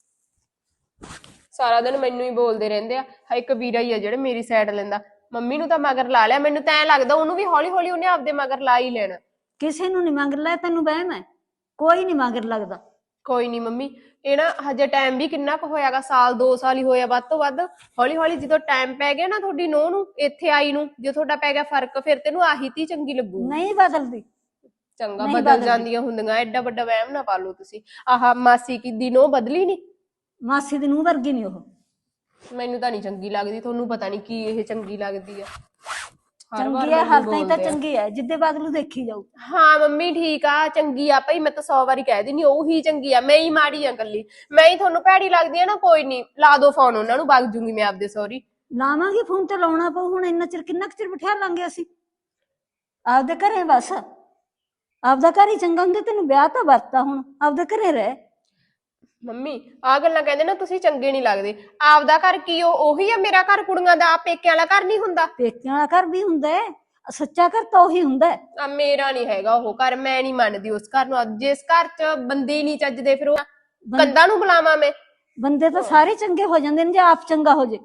ਸਾਰਾ ਦਿਨ ਮੈਨੂੰ ਹੀ ਬੋਲਦੇ ਰਹਿੰਦੇ ਆ। ਇੱਕ ਵੀਰਾ ਹੀ ਆ ਜਿਹੜਾ ਮੇਰੀ ਸਾਈਡ ਲੈਂਦਾ, ਮੰਮੀ ਨੂੰ ਤਾਂ ਮਗਰ ਲਾ ਲਿਆ, ਮੈਨੂੰ ਤਾਂ ਐ ਲੱਗਦਾ ਉਹਨੂੰ ਵੀ ਹੌਲੀ ਹੌਲੀ ਉਹਨੇ ਆਪਦੇ ਮਗਰ ਲਾ ਹੀ ਲੈਣਾ।
ਕਿਸੇ ਨੂੰ ਨੀ ਮਗਰ ਲੈ, ਤੈਨੂੰ ਵਹਿਮ ਹੈ, ਕੋਈ ਨੀ ਮਗਰ ਲੱਗਦਾ।
ਕੋਈ ਨਹੀਂ ਮੰਮੀ, ਇਹ ਨਾ ਹਜੇ ਟਾਈਮ ਵੀ ਕਿੰਨਾ ਕੁ ਹੋਇਆਗਾ, ਸਾਲ 2 ਸਾਲ ਹੀ ਹੋਇਆ ਵੱਧ ਤੋਂ ਵੱਧ। ਹੌਲੀ ਹੌਲੀ ਜਦੋਂ ਟਾਈਮ ਪੈ ਗਿਆ ਨਾ ਤੁਹਾਡੀ ਨੂੰਹ ਨੂੰ ਇੱਥੇ ਆਈ ਨੂੰ, ਜੇ ਤੁਹਾਡਾ ਪੈ ਗਿਆ ਫਰਕ, ਫਿਰ ਤੈਨੂੰ ਆਹੀ ਧੀ ਚੰਗੀ ਲੱਗੂ।
ਨਹੀਂ ਬਦਲਦੀ,
ਚੰਗਾ
ਨਹੀਂ
ਬਦਲ
ਬਦਲਦੀ।
ਜਾਂਦੀਆਂ ਹੁੰਦੀਆਂ, ਐਡਾ ਵੱਡਾ ਵਹਿਮ ਨਾ ਪਾ ਲਓ ਤੁਸੀਂ। ਆਹ ਮਾਸੀ ਕੀ ਦਿਨੋਂ ਬਦਲੀ ਨਹੀਂ।
ਮਾਸੀ ਦੀ ਨੂੰਹ ਵਰਗੀ ਨਹੀਂ ਉਹ।
ਮੈਨੂੰ ਤਾਂ ਨਹੀਂ ਚੰਗੀ ਲੱਗਦੀ, ਤੁਹਾਨੂੰ ਪਤਾ ਨਹੀਂ ਕੀ ਇਹ ਚੰਗੀ ਲੱਗਦੀ ਆ। ਹਰ ਵਾਰ
ਚੰਗੀ ਹੈ,
ਮੈਨੂੰ
ਹਰ ਤਾਈਂ ਤਾਂ
ਬੋਲਦੇ ਆ।
ਚੰਗੀ ਹੈ, ਜਿੱਦੇ ਬਦਲੂ ਦੇਖੀ ਜਾਊ।
ਹਾਂ ਮੰਮੀ ਠੀਕ ਆ, ਚੰਗੀ ਆ ਭਾਈ, ਮੈਂ ਤਾਂ 100 ਵਾਰੀ ਕਹਿ ਦਿੰਦੀ ਉਹ ਹੀ ਚੰਗੀ ਆ, ਮੈਂ ਹੀ ਮਾੜੀ ਆ ਕੱਲੀ। ਮੈਂ ਹੀ ਤੁਹਾਨੂੰ ਭੈੜੀ ਲੱਗਦੀ ਆ ਨਾ, ਕੋਈ ਨਹੀਂ ਲਾ ਦੋ ਫੋਨ ਉਹਨਾਂ ਨੂੰ, ਵਗ ਜੂੰਗੀ ਮੈਂ ਆਪਦੇ ਸਹੁਰੀ।
ਲਾਵਾਂਗੇ ਫੋਨ ਤੇ ਲਾਉਣਾ ਪਊ ਹੁਣ, ਇੰਨਾ ਚਿਰ ਕਿੰਨਾ ਕੁ ਚਿਰ ਬਿਠਾ ਲਾਂਗੇ ਅਸੀਂ ਆਪਦੇ ਘਰੇ। ਬਸ ਆਪਦਾ ਘਰ ਹੀ ਚੰਗਾ ਹੁੰਦਾ, ਤੈਨੂੰ ਵਿਆਹ ਤਾਂ ਵਰਤਾ, ਹੁਣ ਆਪਦੇ ਘਰੇ ਰਹਿ।
ਮੰਮੀ ਆਹ ਗੱਲਾਂ ਕਹਿੰਦੇ ਨਾ ਤੁਸੀਂ ਚੰਗੇ ਨਹੀਂ ਲੱਗਦੇ। ਆਪਦਾ ਘਰ ਕੀ ਉਹੀ ਆ ਮੇਰਾ ਘਰ, ਕੁੜੀਆਂ ਦਾ ਪੇਕਿਆਂ ਵਾਲਾ ਘਰ ਨਹੀਂ ਹੁੰਦਾ।
ਪੇਕਿਆਂ ਵਾਲਾ ਘਰ ਵੀ ਹੁੰਦਾ ਹੈ, ਸੱਚਾ ਘਰ ਤਾਂ ਉਹੀ ਹੁੰਦਾ ਹੈ।
ਆ ਮੇਰਾ ਨਹੀਂ ਹੈਗਾ ਉਹ ਘਰ, ਮੈਂ ਨਹੀਂ ਮੰਨਦੀ ਉਸ ਘਰ ਨੂੰ। ਜਿਸ ਘਰ 'ਚ ਬੰਦੇ ਹੀ ਨਹੀਂ ਚੱਜਦੇ, ਫਿਰ ਉਹ ਕੰਧਾਂ ਨੂੰ ਬੁਲਾਵਾਂ ਮੈਂ?
ਬੰਦੇ ਤਾਂ ਸਾਰੇ ਚੰਗੇ ਹੋ ਜਾਂਦੇ ਨੇ ਜੇ ਆਪ ਚੰਗਾ ਹੋ ਜੇ।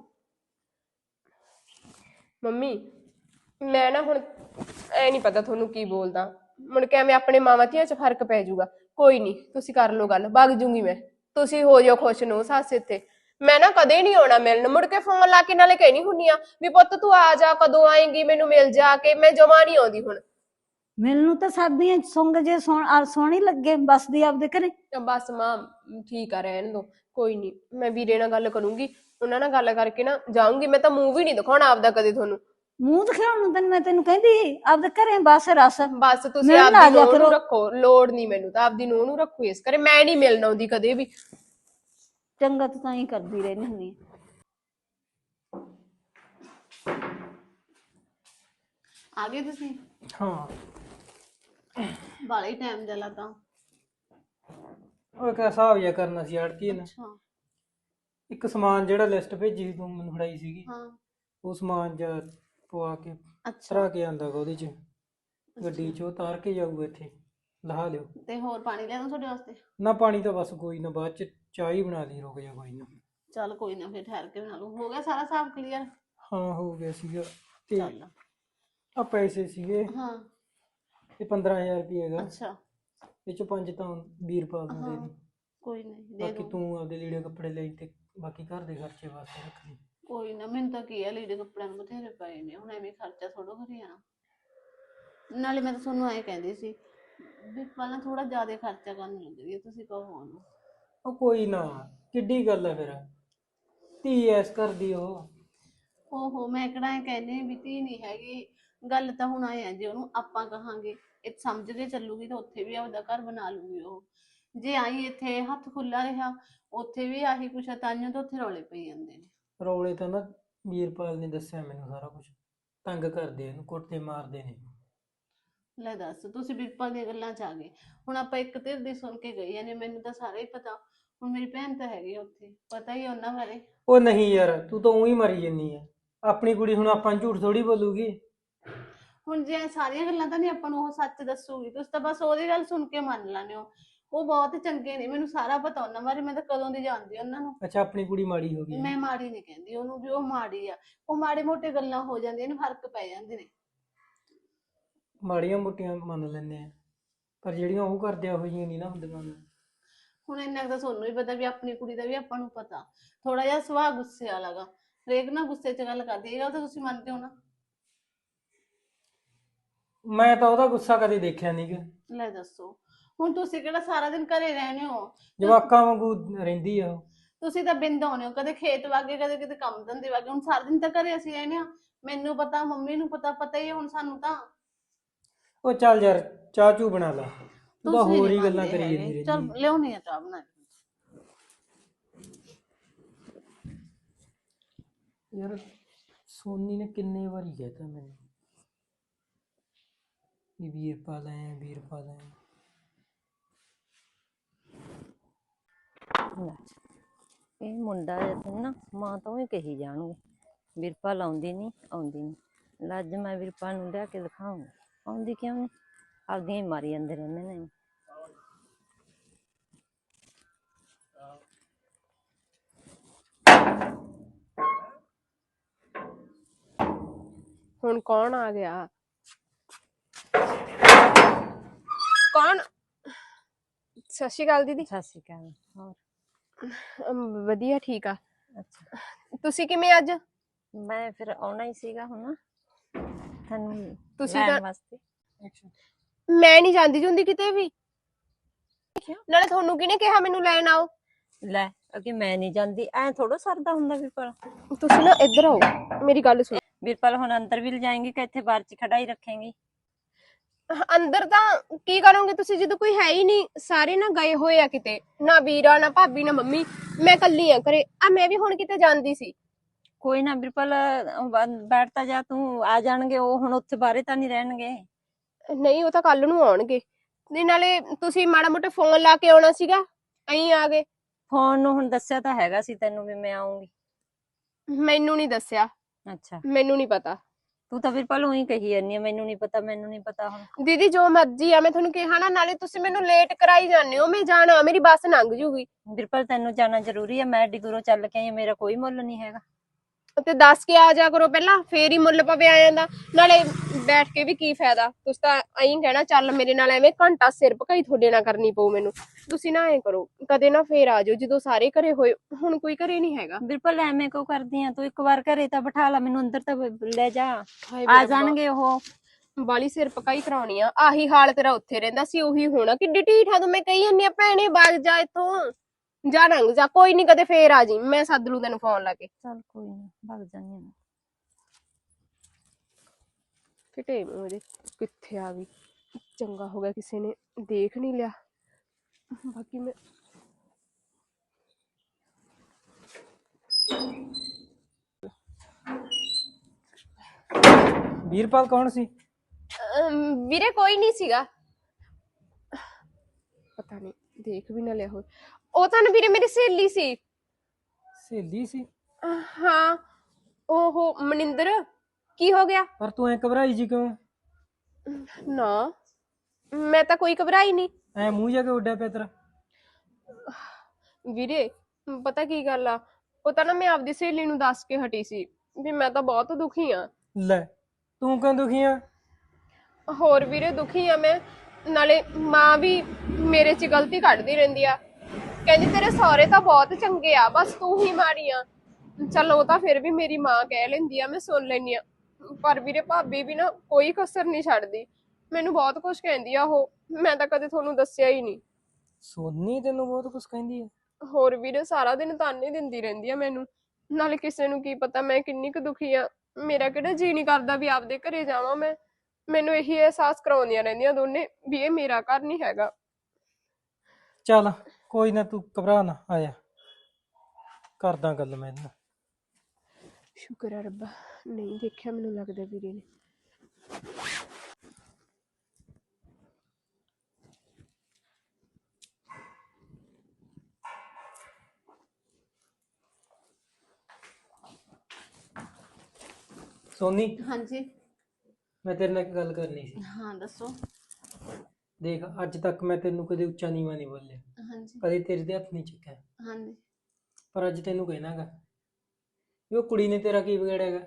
ਮੰਮੀ ਮੈਂ ਨਾ ਹੁਣ ਐ ਨਹੀਂ ਪਤਾ ਤੁਹਾਨੂੰ ਕੀ ਬੋਲਦਾ, ਮੁੜ ਕੇ ਐਵੇਂ ਆਪਣੇ ਮਾਵਾਂ ਧੀਆਂ 'ਚ ਫਰਕ ਪੈ ਜਾਊਗਾ। ਕੋਈ ਨਹੀਂ ਤੁਸੀਂ ਕਰ ਲਓ ਗੱਲ, ਵਗ ਜੂੰਗੀ ਮੈਂ, ਤੁਸੀਂ ਹੋ ਜਾਓ ਖੁਸ਼ ਨੂੰ ਸੱਸ ਇੱਥੇ। ਮੈਂ ਨਾ ਕਦੇ ਨਹੀਂ ਆਉਣਾ ਮਿਲਣ। ਮੁੜ ਕੇ ਫੋਨ ਲਾ ਕੇ ਨਾਲੇ ਕਹਿਣੀ ਹੁੰਨੀ ਆ ਵੀ ਪੁੱਤ ਤੂੰ ਆ ਜਾ, ਕਦੋਂ ਆਏਂਗੀ, ਮੈਨੂੰ ਮਿਲ ਜਾ ਕੇ। ਮੈਂ ਜਮਾ ਨਹੀਂ ਆਉਂਦੀ ਹੁਣ।
ਮੈਨੂੰ ਤਾਂ ਸਰਦੀਆਂ ਸੁੰਗ ਜੇ ਸੋਹਣੀ ਲੱਗੇ, ਬਸਦੀ ਆਪਦੇ ਘਰੇ।
ਬਸ ਮਾਂ ਠੀਕ ਆ, ਰਹਿਣ ਦੋ, ਕੋਈ ਨਹੀਂ। ਮੈਂ ਵੀਰੇ ਨਾਲ ਗੱਲ ਕਰੂੰਗੀ, ਉਹਨਾਂ ਨਾਲ ਗੱਲ ਕਰਕੇ ਨਾ ਜਾਊਂਗੀ। ਮੈਂ ਤਾਂ ਮੂੰਹ ਵੀ ਨਹੀਂ ਦਿਖਾਉਣਾ ਆਪਦਾ ਕਦੇ ਤੁਹਾਨੂੰ।
ਮੂੰਹ ਦਿਖਾਉਣ ਨੂੰ ਤੈਨੂੰ ਮੈਂ ਕਹਿੰਦੀ ਆਪਦੇ ਘਰੇ ਬਸ ਰਸ।
ਬਸ ਤੁਸੀਂ
ਮਿਲਣ ਆ
ਆਪਦੀ
ਜਾ
ਨੂੰਹ
ਕਰੋ।
ਨੂੰ ਰੱਖੋ, ਲੋੜ ਨਹੀਂ ਮੈਨੂੰ ਤਾਂ ਆਪਦੀ ਨੂੰਹ ਨੂੰ ਰੱਖੋ ਇਸ ਕਰੇ। ਮੈਂ ਨਹੀਂ ਮਿਲਣ ਆਉਂਦੀ ਕਦੇ ਵੀ।
ਚੰਗਾ ਤੂੰ ਤਾਂ ਹੀ ਕਰਦੀ ਰਹਿੰਦੀ ਹੁੰਦੀ
ਆ ਗਏ ਤੁਸੀਂ?
ਹਾਂ
ਬਾਲਾ ਹੀ ਟਾਈਮ ਦਾ ਲੱਗਾ।
ਉਹ ਇੱਕ ਹਿਸਾਬ ਜਿਹਾ ਕਰਨਾ ਸੀ ਆੜਤੀ ਨੇ।
ਅੱਛਾ।
ਇੱਕ ਸਮਾਨ ਜਿਹੜਾ ਲਿਸਟ ਭੇਜੀ ਸੀ ਤੂੰ ਮੈਨੂੰ ਫੜਾਈ ਸੀਗੀ,
ਹਾਂ।
ਉਹ ਸਮਾਨ ਜਾਂ ਪਵਾ ਕੇ
ਅੱਛਾ
ਧਰਾ ਕੇ ਆਂਦਾ ਗਾ ਉਹਦੇ ਚ, ਗੱਡੀ ਚ ਉਹ ਉਤਾਰ ਕੇ ਜਾਊਗਾ, ਇੱਥੇ ਲਹਾ ਲਿਓ।
ਤੇ ਹੋਰ ਪਾਣੀ ਲਿਆਵਾਂ ਤੁਹਾਡੇ ਵਾਸਤੇ?
ਨਾ ਪਾਣੀ ਤਾਂ ਬਸ ਕੋਈ ਨਾ, ਬਾਅਦ ਚ ਚਾਹ ਹੀ ਬਣਾ ਲਈ, ਰੁਕ ਜਾ ਕੋਈ ਨਾ।
ਚੱਲ ਕੋਈ ਨਾ, ਫਿਰ ਠਹਿਰ ਕੇ ਬਣਾ ਲੂ। ਹੋ ਗਿਆ ਸਾਰਾ ਹਿਸਾਬ ਕਲੀਅਰ?
ਹਾਂ ਹੋ ਗਿਆ ਸੀਗਾ। ਤੇ
ਚੱਲ।
ਆ ਪੈਸੇ ਸੀਗੇ,
ਹਾਂ।
ਇਹ 15,000 ਰੁਪਏ ਹੈਗਾ,
ਅੱਛਾ।
ਇਹ ਚ 5 ਤਾਂ ਵੀਰਪਾਲ ਨੂੰ ਦੇ ਦੀ।
ਕੋਈ ਨਹੀਂ ਦੇ
ਬਾਕੀ
ਦੂੰ।
ਤੂੰ ਆਪਦੇ ਲੀੜੇ ਕੱਪੜੇ ਲਈ ਤੇ ਬਾਕੀ ਘਰ ਦੇ ਖਰਚੇ ਵਾਸਤੇ ਰੱਖ ਲਈ।
ਕੋਈ ਨਾ, ਮੈਨੂੰ ਤਾਂ ਕੀ ਆ, ਲੀੜੇ ਕੱਪੜਿਆਂ ਨੂੰ ਬਥੇਰੇ ਪਏ ਨੇ, ਹੁਣ ਐਵੇਂ ਖਰਚਾ ਥੋੜੋ ਕਰੀ ਜਾਣਾ। ਨਾਲੇ ਮੈਂ ਤਾਂ ਤੁਹਾਨੂੰ ਐਂ ਕਹਿੰਦੀ ਸੀ ਵੀ ਪਹਿਲਾਂ ਥੋੜਾ ਜ਼ਿਆਦਾ ਖਰਚਾ ਕਰਨ ਲੱਗ ਰਹੀ ਹੈ, ਤੁਸੀਂ ਕਹੋ ਉਹਨੂੰ।
ਉਹ ਕੋਈ ਨਾ, ਕਿੱਡੀ ਗੱਲ ਹੈ ਫਿਰ, ਧੀ ਐਸ ਕਰਦੀ ਉਹ।
ਓਹੋ, ਮੈਂ ਕਿਹੜਾ ਐਂ ਕਹਿੰਦੀ ਵੀ ਧੀ ਨਹੀਂ ਹੈਗੀ। ਗੱਲ ਤਾਂ ਹੁਣ ਆਏ ਆ, ਜੇ ਉਹਨੂੰ ਆਪਾਂ ਕਹਾਂਗੇ ਇਹ ਸਮਝ ਕੇ ਚੱਲੂਗੀ ਤਾਂ ਉੱਥੇ ਵੀ ਆਪਦਾ ਘਰ ਬਣਾ ਲੂਗੀ ਉਹ। ਜੇ ਆਈ ਇੱਥੇ ਹੱਥ ਖੁੱਲਾ ਰਿਹਾ, ਉੱਥੇ ਵੀ ਆਹੀ ਕੁਛ ਆ, ਤਾਂਹੀਓ ਤਾਂ ਉੱਥੇ ਰੌਲੇ ਪਈ ਜਾਂਦੇ ਨੇ।
ਰੌਲੇ ਤਾਂ ਨਾ ਵੀਰਪਾਲ ਨੇ ਦੱਸਿਆ ਮੈਨੂੰ ਸਾਰਾ ਕੁਝ, ਤੰਗ ਕਰਦੇ ਇਹਨੂੰ, ਕੁੱਟਦੇ ਮਾਰਦੇ ਨੇ।
ਲੈ ਦੱਸ, ਤੁਸੀਂ ਬਿਰਪਾਲ ਦੀਆਂ ਗੱਲਾਂ 'ਚ ਆ ਗਏ। ਹੁਣ ਆਪਾਂ ਇੱਕ ਧਿਰ ਦੀ ਸੁਣ ਕੇ ਗਏ ਨੇ, ਮੈਨੂੰ ਤਾਂ ਸਾਰਾ ਹੀ ਪਤਾ। ਹੁਣ ਮੇਰੀ ਭੈਣ ਤਾਂ ਹੈਗੀ ਆ ਉੱਥੇ, ਪਤਾ ਹੀ ਆ ਉਹਨਾਂ ਬਾਰੇ।
ਉਹ ਨਹੀਂ ਯਾਰ, ਤੂੰ ਤਾਂ ਉਹੀ ਮਰੀ ਜੰਨੀ ਆ। ਆਪਣੀ ਕੁੜੀ ਹੁਣ ਆਪਾਂ ਨੂੰ ਝੂਠ ਥੋੜੀ ਬੋਲੂਗੀ।
ਹੁਣ ਜੇ ਸਾਰੀਆਂ ਗੱਲਾਂ ਤਾਂ ਨਹੀਂ ਆਪਾਂ ਨੂੰ ਉਹ ਸੱਚ ਦੱਸੂਗੀ, ਤੁਸੀਂ ਤਾਂ ਬਸ ਉਹਦੀ ਗੱਲ ਸੁਣ ਕੇ ਮੰਨ ਲੈਂਦੇ ਹੋ। ਉਹ ਬਹੁਤ ਚੰਗੇ ਨੇ, ਮੈਨੂੰ ਸਾਰਾ ਪਤਾ ਉਹਨਾਂ ਬਾਰੇ, ਮੈਂ ਤਾਂ ਕਦੋਂ ਦੀ ਜਾਣਦੀ ਉਹਨਾਂ ਨੂੰ।
ਅੱਛਾ, ਆਪਣੀ ਕੁੜੀ ਮਾੜੀ ਹੋ ਗਈ।
ਮੈਂ ਮਾੜੀ ਨਹੀਂ ਕਹਿੰਦੀ ਉਹਨੂੰ ਵੀ ਉਹ ਮਾੜੀ ਆ। ਉਹ ਮਾੜੇ ਮੋਟੇ ਗੱਲਾਂ ਹੋ ਜਾਂਦੀਆਂ ਨੇ, ਫਰਕ ਪੈ ਜਾਂਦੇ ਨੇ।
ਮਾੜੀਆਂ ਮੋਟੀਆਂ ਮੰਨ ਲੈਂਦੇ ਆ, ਪਰ ਜਿਹੜੀਆਂ ਉਹ ਕਰਦੇ ਆ ਉਹ ਜਿਹੀਆਂ ਨਹੀਂ ਨਾ ਹੁੰਦੀਆਂ।
ਹੁਣ ਇੰਨਾ ਕੁ ਤਾਂ ਤੁਹਾਨੂੰ ਵੀ ਪਤਾ ਵੀ ਆਪਣੀ ਕੁੜੀ ਦਾ ਵੀ ਆਪਾਂ ਨੂੰ ਪਤਾ। ਥੋੜਾ ਜਿਹਾ ਸੁਭਾਅ ਗੁੱਸੇ ਵਾਲਾ ਗਾ, ਹਰੇਕ ਨਾਲ ਗੁੱਸੇ 'ਚ ਗੱਲ ਕਰਦੀ। ਇਹ ਗੱਲ ਤਾਂ ਤੁਸੀਂ ਮੰਨਦੇ ਹੋ ਨਾ?
ਮੈਂ ਤਾਂ ਉਹਦਾ ਗੁੱਸਾ ਕਦੇ ਦੇਖਿਆ ਨਹੀਂ ਗਾ।
ਲੈ ਦੱਸੋ, ਹੁਣ ਤੁਸੀਂ ਕਿਹੜਾ ਸਾਰਾ ਦਿਨ ਘਰੇ ਰਹਿੰਦੇ ਹੋ?
ਜਵਾਕਾਂ ਵਾਂਗੂ ਰਹਿੰਦੀ ਆ ਉਹ।
ਤੁਸੀਂ ਤਾਂ ਬਿੰਦ ਆਉਂਦੇ ਹੋ, ਕਦੇ ਖੇਤ ਵਾਗੇ, ਕਦੇ ਕਿਤੇ ਕੰਮ ਧੰਦੇ ਵਾਗੇ। ਹੁਣ ਸਾਰਾ ਦਿਨ ਤਾਂ ਘਰੇ ਅਸੀਂ ਰਹਿੰਦੇ ਹਾਂ। ਮੈਨੂੰ ਪਤਾ, ਮੰਮੀ ਨੂੰ ਪਤਾ ਹੀ ਹੈ ਹੁਣ ਸਾਨੂੰ ਤਾਂ।
ਉਹ ਚੱਲ ਯਾਰ, ਚਾਹ ਚੂ ਬਣਾ ਲਾ, ਤੂੰ ਤਾਂ
ਤੁਸੀਂ
ਹੋਰ
ਨੀ
ਹੀ ਗੱਲਾਂ
ਮੰਨਦੇ
ਕਰੀ
ਹੈਗੇ।
ਜਾਂਦੀ
ਚੱਲ
ਰਹਿੰਦੀ।
ਲਿਆਉਣੀ ਆ ਚਾਹ ਬਣਾ ਕੇ।
ਯਾਰ ਸੋਨੀ ਨੇ ਕਿੰਨੇ ਵਾਰੀ ਕਹਿਤਾ ਮੈਨੂੰ ਵੀ ਵੀਰਪਾਲ ਆਇਆ, ਵੀਰਪਾਲ ਆਇਆ।
ਲੈ, ਇਹ ਮੁੰਡਾ ਜੇ ਨਾ ਮਾਂ ਤੋਂ ਵੀ ਕਹੀ ਜਾਣਗੇ ਵੀਰਪਾਲ ਆਉਂਦੀ ਨਹੀਂ, ਆਉਂਦੀ ਨਹੀਂ। ਲੱਜ ਮੈਂ ਵੀਰਪਾਲ ਨੂੰ ਲਿਆ ਕੇ ਦਿਖਾਉਂਗੀ, ਆਉਂਦੀ ਕਿਉਂ ਨਹੀਂ, ਆਪਦੀਆਂ ਹੀ ਮਾਰੀ ਜਾਂਦੇ ਰਹਿੰਦੇ ਨੇ।
ਹੁਣ ਕੌਣ ਆ ਗਿਆ? ਕੌਣ? ਸਤਿ ਸ਼੍ਰੀ ਅਕਾਲ ਦੀਦੀ।
ਸਤਿ ਸ਼੍ਰੀ ਅਕਾਲ। ਹੋਰ
ਵਧੀਆ, ਠੀਕ ਆ।
ਅੱਛਾ,
ਤੁਸੀਂ ਕਿਵੇਂ ਅੱਜ?
ਮੈਂ ਫਿਰ ਆਉਣਾ ਹੀ ਸੀਗਾ ਹੁਣ ਤੁਹਾਨੂੰ
ਤੁਸੀਂ
ਲੈਣ
ਤਾਂ
ਵਾਸਤੇ।
ਮੈਂ ਨਹੀਂ ਜਾਂਦੀ ਜੁੰਦੀ ਕਿਤੇ ਵੀ। ਨਾਲੇ ਤੁਹਾਨੂੰ ਕਿਹਨੇ ਕਿਹਾ ਮੈਨੂੰ ਲੈਣ ਆਓ?
ਲੈ ਅੱਗੇ ਮੈਂ ਨਹੀਂ ਜਾਂਦੀ, ਐ ਥੋੜਾ ਸਰਦਾ ਹੁੰਦਾ ਵੀਰਪਾਲ।
ਤੁਸੀਂ ਨਾ ਇੱਧਰ ਆਓ, ਮੇਰੀ ਗੱਲ ਸੁਣੋ।
ਵੀਰਪਾਲ ਹੁਣ ਅੰਦਰ ਵੀ ਲਿਜਾਏਂਗੀ ਕਿ ਇੱਥੇ ਬਾਹਰ ਚ ਖੜਾਈ ਰੱਖੇਂਗੀ?
ਅੰਦਰ ਤਾਂ ਕੀ ਕਰੋਗੇ ਤੁਸੀਂ ਜਦੋਂ ਕੋਈ ਹੈ ਹੀ ਨਹੀਂ, ਸਾਰੇ ਨਾ ਗਏ ਹੋਏ ਆ ਕਿਤੇ, ਨਾ ਵੀਰਾ ਨਾ ਭਾਬੀ ਨਾ ਮੰਮੀ, ਮੈਂ ਇਕੱਲੀ ਆ ਘਰੇ। ਆ ਮੈਂ ਵੀ ਹੁਣ ਕਿਤੇ ਜਾਂਦੀ ਸੀ।
ਕੋਈ ਨਾ ਵੀਰਪਾਲ, ਬੈਠ ਤਾਂ ਜਾ ਤੂੰ, ਆ ਜਾਣਗੇ ਉਹ, ਹੁਣ ਉੱਥੇ ਬਾਹਰੇ ਤਾਂ ਨਹੀਂ ਰਹਿਣਗੇ।
ਨਹੀਂ ਉਹ ਤਾਂ ਕੱਲ ਨੂੰ ਆਉਣਗੇ। ਤੇ ਨਾਲੇ ਤੁਸੀਂ ਮਾੜਾ ਮੋਟਾ ਫੋਨ ਲਾ ਕੇ ਆਉਣਾ ਸੀਗਾ, ਅਹੀਂ ਆ ਗਏ।
ਫੋਨ ਨੂੰ ਹੁਣ ਦੱਸਿਆ ਤਾਂ ਹੈਗਾ ਸੀ ਤੈਨੂੰ ਵੀ ਮੈਂ ਆਉਂਗੀ।
ਮੈਨੂੰ ਨਹੀਂ ਦੱਸਿਆ,
ਅੱਛਾ,
ਮੈਨੂੰ ਨਹੀਂ ਪਤਾ।
ਤੂੰ ਤਾਂ ਵੀਰਪਾਲ ਉਹੀ ਕਹੀ ਜਾਂਦੀ ਆ, ਮੈਨੂੰ ਨਹੀਂ ਪਤਾ, ਮੈਨੂੰ ਨਹੀਂ ਪਤਾ। ਹੁਣ
ਦੀਦੀ ਜੋ ਮਰਜ਼ੀ ਆ, ਮੈਂ ਤੁਹਾਨੂੰ ਕਿਹਾ ਨਾ, ਨਾਲੇ ਤੁਸੀਂ ਮੈਨੂੰ ਲੇਟ ਕਰਾਈ ਜਾਂਦੇ ਹੋ। ਮੈਂ ਜਾਣਾ, ਮੇਰੀ ਬੱਸ ਲੰਘ ਜੂਗੀ।
ਵੀਰਪਾਲ ਤੈਨੂੰ ਜਾਣਾ ਜ਼ਰੂਰੀ ਹੈ, ਮੈਂ ਐਡੀ ਦੂਰੋਂ ਚੱਲ ਕੇ ਆਈ ਹਾਂ, ਮੇਰਾ ਕੋਈ ਮੁੱਲ ਨਹੀਂ ਹੈਗਾ।
ਤੇ ਦੱਸ ਕੇ ਆ ਜਾ ਕਰੋ ਪਹਿਲਾਂ, ਫੇਰ ਹੀ ਮੁੱਲ ਪਵੇ ਆ ਜਾਂਦਾ। ਨਾਲੇ ਬੈਠ ਕੇ ਵੀ ਕੀ ਫਾਇਦਾ, ਤੁਸੀਂ ਤਾਂ ਐਂ ਕਹਿਣਾ ਚੱਲ ਮੇਰੇ ਨਾਲ ਐਵੇਂ ਘੰਟਾ ਸਿਰ ਭਕਾਈ ਤੁਹਾਡੇ ਨਾਲ ਕਰਨੀ ਪਊ ਮੈਨੂੰ। ਤੁਸੀਂ ਨਾ ਐਂ ਕਰੋ, ਕਦੇ ਨਾ ਫੇਰ ਆ ਜਾਓ ਜਦੋਂ ਸਾਰੇ ਘਰੇ ਹੋਏ। ਹੁਣ ਕੋਈ ਘਰੇ ਨਹੀਂ ਹੈਗਾ।
ਵੀਰਪਾਲ ਐਵੇਂ ਕਿਉਂ ਕਰਦੀ ਆ ਤੂੰ? ਇੱਕ ਵਾਰ ਘਰੇ ਤਾਂ ਬਿਠਾ ਲਾ ਮੈਨੂੰ, ਅੰਦਰ ਤਾਂ ਲੈ ਜਾ।
ਹਾਏ
ਆ
ਮੇਰਾ
ਜਾਣਗੇ ਉਹ।
ਬਾਲੀ ਸਿਰ ਪਕਾਈ ਕਰਾਉਣੀ ਆ। ਆਹੀ ਹਾਲ ਤੇਰਾ ਉੱਥੇ ਰਹਿੰਦਾ ਸੀ, ਉਹੀ ਹੋਣਾ। ਕਿੱਡੀ ਢੀਠ ਆ ਤੂੰ। ਮੈਂ ਕਹੀ ਜਾਂਦੀ ਆ ਭੈਣੇ ਵਗ ਜਾ ਇੱਥੋਂ, ਜਾ ਨੰਗ ਜਾ। ਕੋਈ ਨੀ, ਕਦੇ ਫੇਰ ਆ ਜੀ, ਮੈਂ ਸੱਦ ਲੂ ਤੈਨੂੰ ਫੋਨ ਲਾ ਕੇ।
ਚੱਲ ਕੋਈ ਨਾ, ਭੱਗ ਜਾਨੀ ਆ।
ਫਿਟੇ ਉਹਦੇ ਕਿੱਥੇ ਆ ਗਈ। ਚੰਗਾ ਹੋ ਗਿਆ ਕਿਸੇ ਨੇ ਦੇਖ ਨਹੀਂ ਲਿਆ। ਬਾਕੀ ਮੈਂ
ਵੀਰਪਾਲ ਕੌਣ ਸੀ?
ਵੀਰੇ ਕੋਈ ਨਹੀਂ ਸੀਗਾ। ਪਤਾ ਨਹੀਂ, ਦੇਖ ਵੀ ਨਾ ਲਿਆ ਹੋ। ਉਹ ਤਾਂ ਨਾ ਵੀਰੇ ਮੇਰੀ ਸਹੇਲੀ ਸੀ।
ਸਹੇਲੀ ਸੀ?
ਹਾਂ, ਓਹੋ ਮਨਿੰਦਰ। ਕੀ ਹੋ ਗਿਆ?
ਪਰ ਤੂੰ ਐ ਘਬਰਾਈ ਜੀ ਕਿਉਂ?
ਨਾ ਮੈਂ ਤਾਂ ਕੋਈ ਘਬਰਾਈ ਨਹੀਂ।
ਐ ਮੂੰਹ ਜਾ ਕੇ ਉੱਡਿਆ ਪਿਆ ਤੇਰਾ।
ਵੀਰੇ ਪਤਾ ਕੀ ਗੱਲ ਆ, ਉਹ ਤਾਂ ਨਾ ਮੈਂ ਆਪਦੀ ਸਹੇਲੀ ਨੂੰ ਦੱਸ ਕੇ ਹਟੀ ਸੀ ਵੀ ਮੈਂ ਤਾਂ ਬਹੁਤ ਦੁਖੀ ਆ।
ਲੈ ਤੂੰ ਕਿਉਂ ਦੁਖੀ ਆ?
ਹੋਰ ਵੀਰੇ ਦੁਖੀ ਆ ਮੈਂ। ਨਾਲੇ ਮਾਂ ਵੀ ਮੇਰੇ 'ਚ ਗਲਤੀ ਕੱਢਦੀ ਰਹਿੰਦੀ ਆ, ਕਹਿੰਦੀ ਤੇਰੇ ਸਹੁਰੇ ਤਾਂ ਬਹੁਤ ਚੰਗੇ ਆ, ਬਸ ਤੂੰ ਹੀ ਮਾੜੀ ਆ। ਚੱਲ ਉਹ ਤਾਂ ਫਿਰ ਵੀ ਮੇਰੀ ਮਾਂ ਕਹਿ ਲੈਂਦੀ ਆ, ਮੈਂ ਸੁਣ ਲੈਂਦੀ ਆ। ਪਰ ਵੀਰੇ ਭਾਬੀ ਵੀ ਨਾ ਕੋਈ ਕਸਰ ਨਹੀਂ ਛੱਡਦੀ, ਮੈਨੂੰ ਬਹੁਤ ਕੁਝ ਕਹਿੰਦੀ ਆ ਉਹ। ਮੈਂ ਤਾਂ ਕਦੇ ਤੁਹਾਨੂੰ ਦੱਸਿਆ ਹੀ ਨਹੀਂ।
ਸੋਨੀ ਤੈਨੂੰ ਬਹੁਤ ਕੁਝ ਕਹਿੰਦੀ ਹੈ?
ਹੋਰ ਵੀਰੇ ਸਾਰਾ ਦਿਨ ਤਾਨੇ ਦਿੰਦੀ ਰਹਿੰਦੀ ਆ ਮੈਨੂੰ। ਨਾਲੇ ਕਿਸੇ ਨੂੰ ਕੀ ਪਤਾ ਮੈਂ ਕਿੰਨੀ ਕੁ ਦੁਖੀ ਆ। ਮੇਰਾ ਕਿਹੜਾ ਜੀ ਨਹੀਂ ਕਰਦਾ ਵੀ ਆਪਦੇ ਘਰੇ ਜਾਵਾਂ ਮੈਂ। ਮੈਨੂੰ ਇਹੀ ਅਹਿਸਾਸ ਕਰਾਉਂਦੀਆਂ ਰਹਿੰਦੀਆਂ ਦੋਨੇ ਵੀ ਇਹ ਮੇਰਾ ਘਰ ਨਹੀਂ ਹੈਗਾ।
ਚੱਲ ਕੋਈ ਨਾ, ਤੂੰ ਘਬਰਾ ਨਾ, ਆਇਆ ਕਰਦਾ ਗੱਲ ਮੈਂ ਇਹਦੇ ਨਾਲ।
ਸ਼ੁਕਰ ਆ ਰੱਬਾ, ਨਹੀਂ ਦੇਖਿਆ ਮੈਨੂੰ ਲੱਗਦਾ ਵੀਰੇ ਨੇ।
ਸੋਨੀ,
ਹਾਂਜੀ।
ਮੈਂ ਤੇਰੇ ਨਾਲ ਇੱਕ ਗੱਲ ਕਰਨੀ ਸੀ।
ਹਾਂ ਦੱਸੋ।
ਦੇਖ ਅੱਜ ਤੱਕ ਮੈਂ ਤੈਨੂੰ ਕਦੇ ਉੱਚਾ ਨੀਵਾਂ ਨਹੀਂ ਬੋਲਿਆ,
ਹਾਂਜੀ।
ਕਦੇ ਤੇਰੇ ਦੇ ਹੱਥ ਨਹੀਂ ਚੱਕਿਆ।
ਹਾਂਜੀ।
ਪਰ ਅੱਜ ਤੈਨੂੰ ਕਹਿਣਾਗਾ ਵੀ ਉਹ ਕੁੜੀ ਨੇ ਤੇਰਾ ਕੀ ਵਿਗੜਿਆਗਾ?